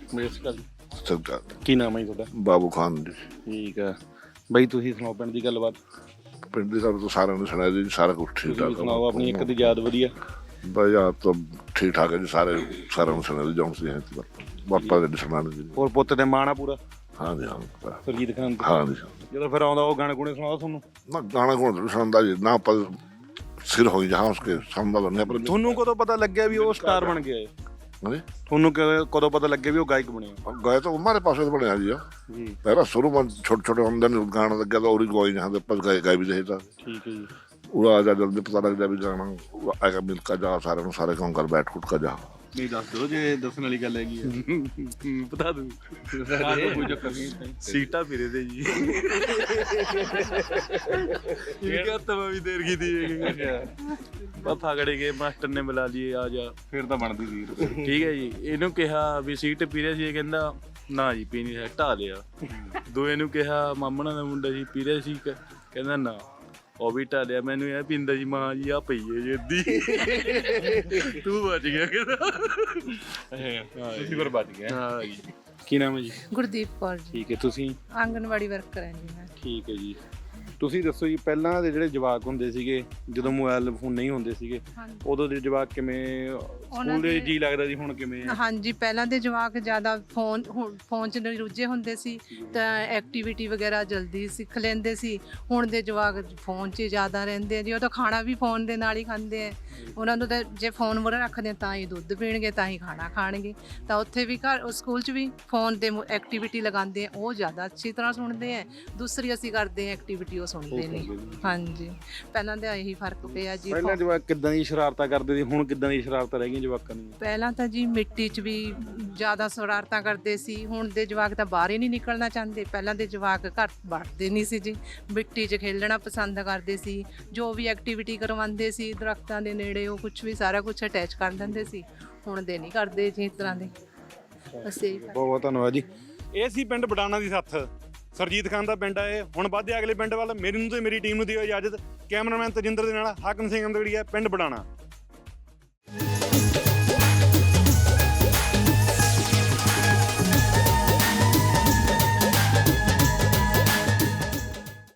A: ਕੀ ਨਾਮ ਹੈ ਤੁਹਾਡਾ?
E: ਬਾਬੂ ਖਾਨ ਜੀ।
A: ਠੀਕ ਆ ਬਾਈ ਤੁਸੀਂ ਸੁਣਾਓ ਪਿੰਡ ਦੀ ਗੱਲਬਾਤ।
E: ਪਿੰਡ ਦੇ ਸਭ ਤੋਂ ਸਾਰਿਆਂ ਨੂੰ ਸੁਣਾਇਆ ਜੀ ਸਾਰਾ ਕੁਝ ਠੀਕ ਠਾਕ
A: ਸੁਣਾਓ ਆਪਣੀ ਇੱਕ ਦੀ ਯਾਦ ਵਧੀਆ।
E: ਬਈ ਆਪ ਤਾਂ ਠੀਕ ਠਾਕ ਹੈ ਜੀ ਸਾਰਿਆਂ ਨੂੰ ਸੁਣਾਇਆ ਜੌਂਸ ਦੀ ਹੈ ਬਾਪਾ ਦੇ ਸੁਣਾਉਣ ਜੀ।
A: ਹੋਰ ਪੁੱਤ ਤੇ ਮਾਣ ਆ ਪੂਰਾ?
E: ਹਾਂ ਜੀ ਹਾਂ
A: ਸੁਰਜੀਤ ਖਾਨ
E: ਹਾਂ ਜੀ।
A: ਜਦੋਂ ਫਿਰ ਆਉਂਦਾ ਉਹ ਗਾਣੇ ਗੁਣੇ ਸੁਣਾਓ ਤੁਹਾਨੂੰ?
E: ਨਾ ਗਾਣਾ ਕੋਣ ਸੁਣਦਾ ਜੀ ਨਾ ਪਰ ਸਿਰ ਹੋਈ ਜਹਾਂ ਉਸਕੇ ਸੁਣਦਾ ਨਹੀਂ ਪਰ
A: ਤੁਹਾਨੂੰ ਕਦੋਂ ਪਤਾ ਲੱਗਿਆ ਵੀ ਉਹ ਸਟਾਰ ਬਣ ਗਿਆ ਹੈ? ਤੁਹਾਨੂੰ ਕਦੋਂ ਪਤਾ ਲੱਗਿਆ ਵੀ ਉਹ ਗਾਇਕ ਬਣਿਆ?
E: ਗਾਇ ਤਾਂ ਹਮਾਰੇ ਪਾਸੇ ਤੋਂ ਬਣਿਆ ਜੀ ਪਹਿਲਾਂ ਸ਼ੁਰੂ में छोटे छोटे ਹੁੰਦੇ ਨੇ ਗਾਣਾ ਲੱਗਿਆ ਤਾਂ ਔਰ ਗਾਈ ਜਹਾਂ ਦੇ ਪਰ ਗਾਇ ਵੀ ਰਹੇ ਤਾਂ
A: ਠੀਕ ਹੈ ਜੀ।
E: ਉਹ ਆ ਜਾ ਜਲਦੀ ਪਤਾ ਲੱਗ ਜਾ ਵੀ ਗਾਣਾ ਆਏਗਾ ਮਿਲ ਕਾ ਜਾ ਸਾਰਿਆਂ ਨੂੰ ਸਾਰੇ ਕੰਮ ਕਰ ਬੈਠ ਉੱਠ ਕਾ ਜਾ।
A: ਨਹੀਂ ਦੱਸ ਦਿਓ ਜੇ ਦੱਸਣ ਵਾਲੀ ਗੱਲ ਹੈਗੀ ਆ ਬਤਾ ਦੂੰ ਕੋਈ ਚੱਕਰ ਨਹੀਂ ਸੀਟਾਂ ਫਿਰੇ ਤੇ ਜੀ ਇਹ ਕਿਹਾ ਤਵਾ ਵੀ ਦੇਰ ਕੀ ਦੀ ਪਾਪਾ ਖੜੇ ਗਏ ਮਾਸਟਰ ਨੇ ਬੁਲਾ ਲਈ ਆ ਜਾ ਫਿਰ ਤਾਂ ਬਣਦੀ ਸੀ ਠੀਕ ਹੈ ਜੀ। ਇਹਨੂੰ ਕਿਹਾ ਵੀ ਸੀਟ ਪੀ ਰਿਹਾ ਸੀ ਇਹ ਕਹਿੰਦਾ ਨਾ ਜੀ ਪੀਣੀ ਹੈ ਢਾ ਲਿਆ। ਦੋਏ ਨੂੰ ਕਿਹਾ ਮਾਮਣਾ ਦਾ ਮੁੰਡਾ ਜੀ ਪੀ ਰਿਹਾ ਸੀ ਕਹਿੰਦਾ ਨਾ ਉਹ ਵੀ ਢਾ ਲਿਆ। ਮੈਨੂੰ ਇਹ ਪੀਂਦਾ ਜੀ ਮਾਂ ਜੀ ਆ ਪਈ ਹੈ ਜੀ ਅੱਧੀ ਤੂੰ ਬਚ ਗਿਆ ਕਹਿੰਦਾ ਤੁਸੀਂ ਪਰ ਬਚ ਗਏ। ਹਾਂ ਜੀ ਕੀ ਨਾਮ ਹੈ ਜੀ?
M: ਗੁਰਦੀਪ ਕੌਰ ਜੀ।
A: ਠੀਕ ਹੈ ਤੁਸੀਂ?
M: ਆਂਗਨਵਾੜੀ ਵਰਕਰ ਹਾਂ ਜੀ ਮੈਂ।
A: ਠੀਕ ਹੈ ਜੀ। ਤੁਸੀਂ ਦੱਸੋ ਜੀ ਪਹਿਲਾਂ ਦੇ ਜਿਹੜੇ ਜਵਾਕ ਹੁੰਦੇ ਸੀਗੇ ਜਦੋਂ ਮੋਬਾਈਲ ਫੋਨ ਨਹੀਂ ਹੁੰਦੇ ਸੀਗੇ ਉਦੋਂ ਦੇ ਜਵਾਕ ਕਿਵੇਂ ਸਕੂਲ ਦੇ ਜੀ ਲੱਗਦਾ ਸੀ ਹੁਣ ਕਿਵੇਂ?
M: ਹਾਂਜੀ ਪਹਿਲਾਂ ਦੇ ਜਵਾਕ ਜ਼ਿਆਦਾ ਫੋਨ 'ਚ ਰੁੱਝੇ ਹੁੰਦੇ ਸੀ ਤਾਂ ਐਕਟੀਵਿਟੀ ਵਗੈਰਾ ਜਲਦੀ ਸਿੱਖ ਲੈਂਦੇ ਸੀ। ਹੁਣ ਦੇ ਜਵਾਕ ਫੋਨ 'ਚ ਜ਼ਿਆਦਾ ਰਹਿੰਦੇ ਆ ਜੀ। ਉਹ ਤਾਂ ਖਾਣਾ ਵੀ ਫੋਨ ਦੇ ਨਾਲ ਹੀ ਖਾਂਦੇ ਆ। ਉਹਨਾਂ ਨੂੰ ਤਾਂ ਜੇ ਫੋਨ ਮੂਹਰੇ ਰੱਖਦੇ ਤਾਂ ਹੀ ਦੁੱਧ ਪੀਣਗੇ ਤਾਂ ਹੀ ਖਾਣਾ ਖਾਣਗੇ। ਤਾਂ ਉੱਥੇ ਵੀ ਸਕੂਲ 'ਚ ਵੀ ਫੋਨ 'ਤੇ ਐਕਟੀਵਿਟੀ ਲਗਾਉਂਦੇ ਆ ਉਹ ਜ਼ਿਆਦਾ ਅੱਛੀ ਤਰ੍ਹਾਂ ਸੁਣਦੇ ਆ। ਦੂਸਰੀ ਅਸੀਂ ਕਰਦੇ ਹਾਂ ਐਕਟੀਵਿਟੀ ਉਹ ਸੁਣਦੇ ਨਹੀਂ। ਹਾਂਜੀ, ਪਹਿਲਾਂ ਤਾਂ ਇਹੀ ਫਰਕ ਪਿਆ ਜੀ।
A: ਪਹਿਲਾਂ ਜਵਾਕ ਕਿੱਦਾਂ ਦੀ ਸ਼ਰਾਰਤਾਂ ਕਰਦੇ ਸੀ, ਹੁਣ ਕਿੱਦਾਂ ਦੀ ਸ਼ਰਾਰਤਾਂ ਰਹਿ ਗਈਆਂ ਜਵਾਕਾਂ ਦੀਆਂ?
M: ਪਹਿਲਾਂ ਤਾਂ ਜੀ ਮਿੱਟੀ 'ਚ ਵੀ ਜ਼ਿਆਦਾ ਸ਼ਰਾਰਤਾਂ ਕਰਦੇ ਸੀ, ਹੁਣ ਦੇ ਜਵਾਕ ਤਾਂ ਬਾਹਰ ਹੀ ਨਹੀਂ ਨਿਕਲਣਾ ਚਾਹੁੰਦੇ। ਪਹਿਲਾਂ ਦੇ ਜਵਾਕ ਘਰ ਵੜਦੇ ਨਹੀਂ ਸੀ ਜੀ, ਮਿੱਟੀ 'ਚ ਖੇਲਣਾ ਪਸੰਦ ਕਰਦੇ ਸੀ। ਜੋ ਵੀ ਐਕਟੀਵਿਟੀ ਕਰਵਾਉਂਦੇ ਸੀ ਦਰਖਤਾਂ ਦੇ ਨੇੜੇ, ਉਹ ਕੁਝ ਵੀ ਸਾਰਾ ਕੁਝ ਅਟੈਚ ਕਰ ਦਿੰਦੇ ਸੀ। ਹੁਣ ਦੇ ਨਹੀਂ ਕਰਦੇ ਜੀ ਇਸ ਤਰ੍ਹਾਂ ਦੇ। ਅਸੀਂ
A: ਬਹੁਤ ਬਹੁਤ ਧੰਨਵਾਦ ਜੀ। ਇਹ ਸੀ ਪਿੰਡ ਬਡਾਣਾ ਦੀ ਸੱਥ, ਸਰਜੀਤ ਖਾਨ ਦਾ ਪਿੰਡ ਆ ਇਹ। ਹੁਣ ਵੱਧਦੇ ਅਗਲੇ ਪਿੰਡ ਵੱਲ। ਮੇਰੀ ਨੂੰ ਤੇ ਮੇਰੀ ਟੀਮ ਨੂੰ ਦਿਓ ਇਜਾਜ਼ਤ। ਕੈਮਰਾਮੈਨ ਤਜਿੰਦਰ ਦੇ ਨਾਲ ਹਾਕਮ ਸਿੰਘ ਅਮਦਗੜੀਆ, ਪਿੰਡ ਬਡਾਣਾ।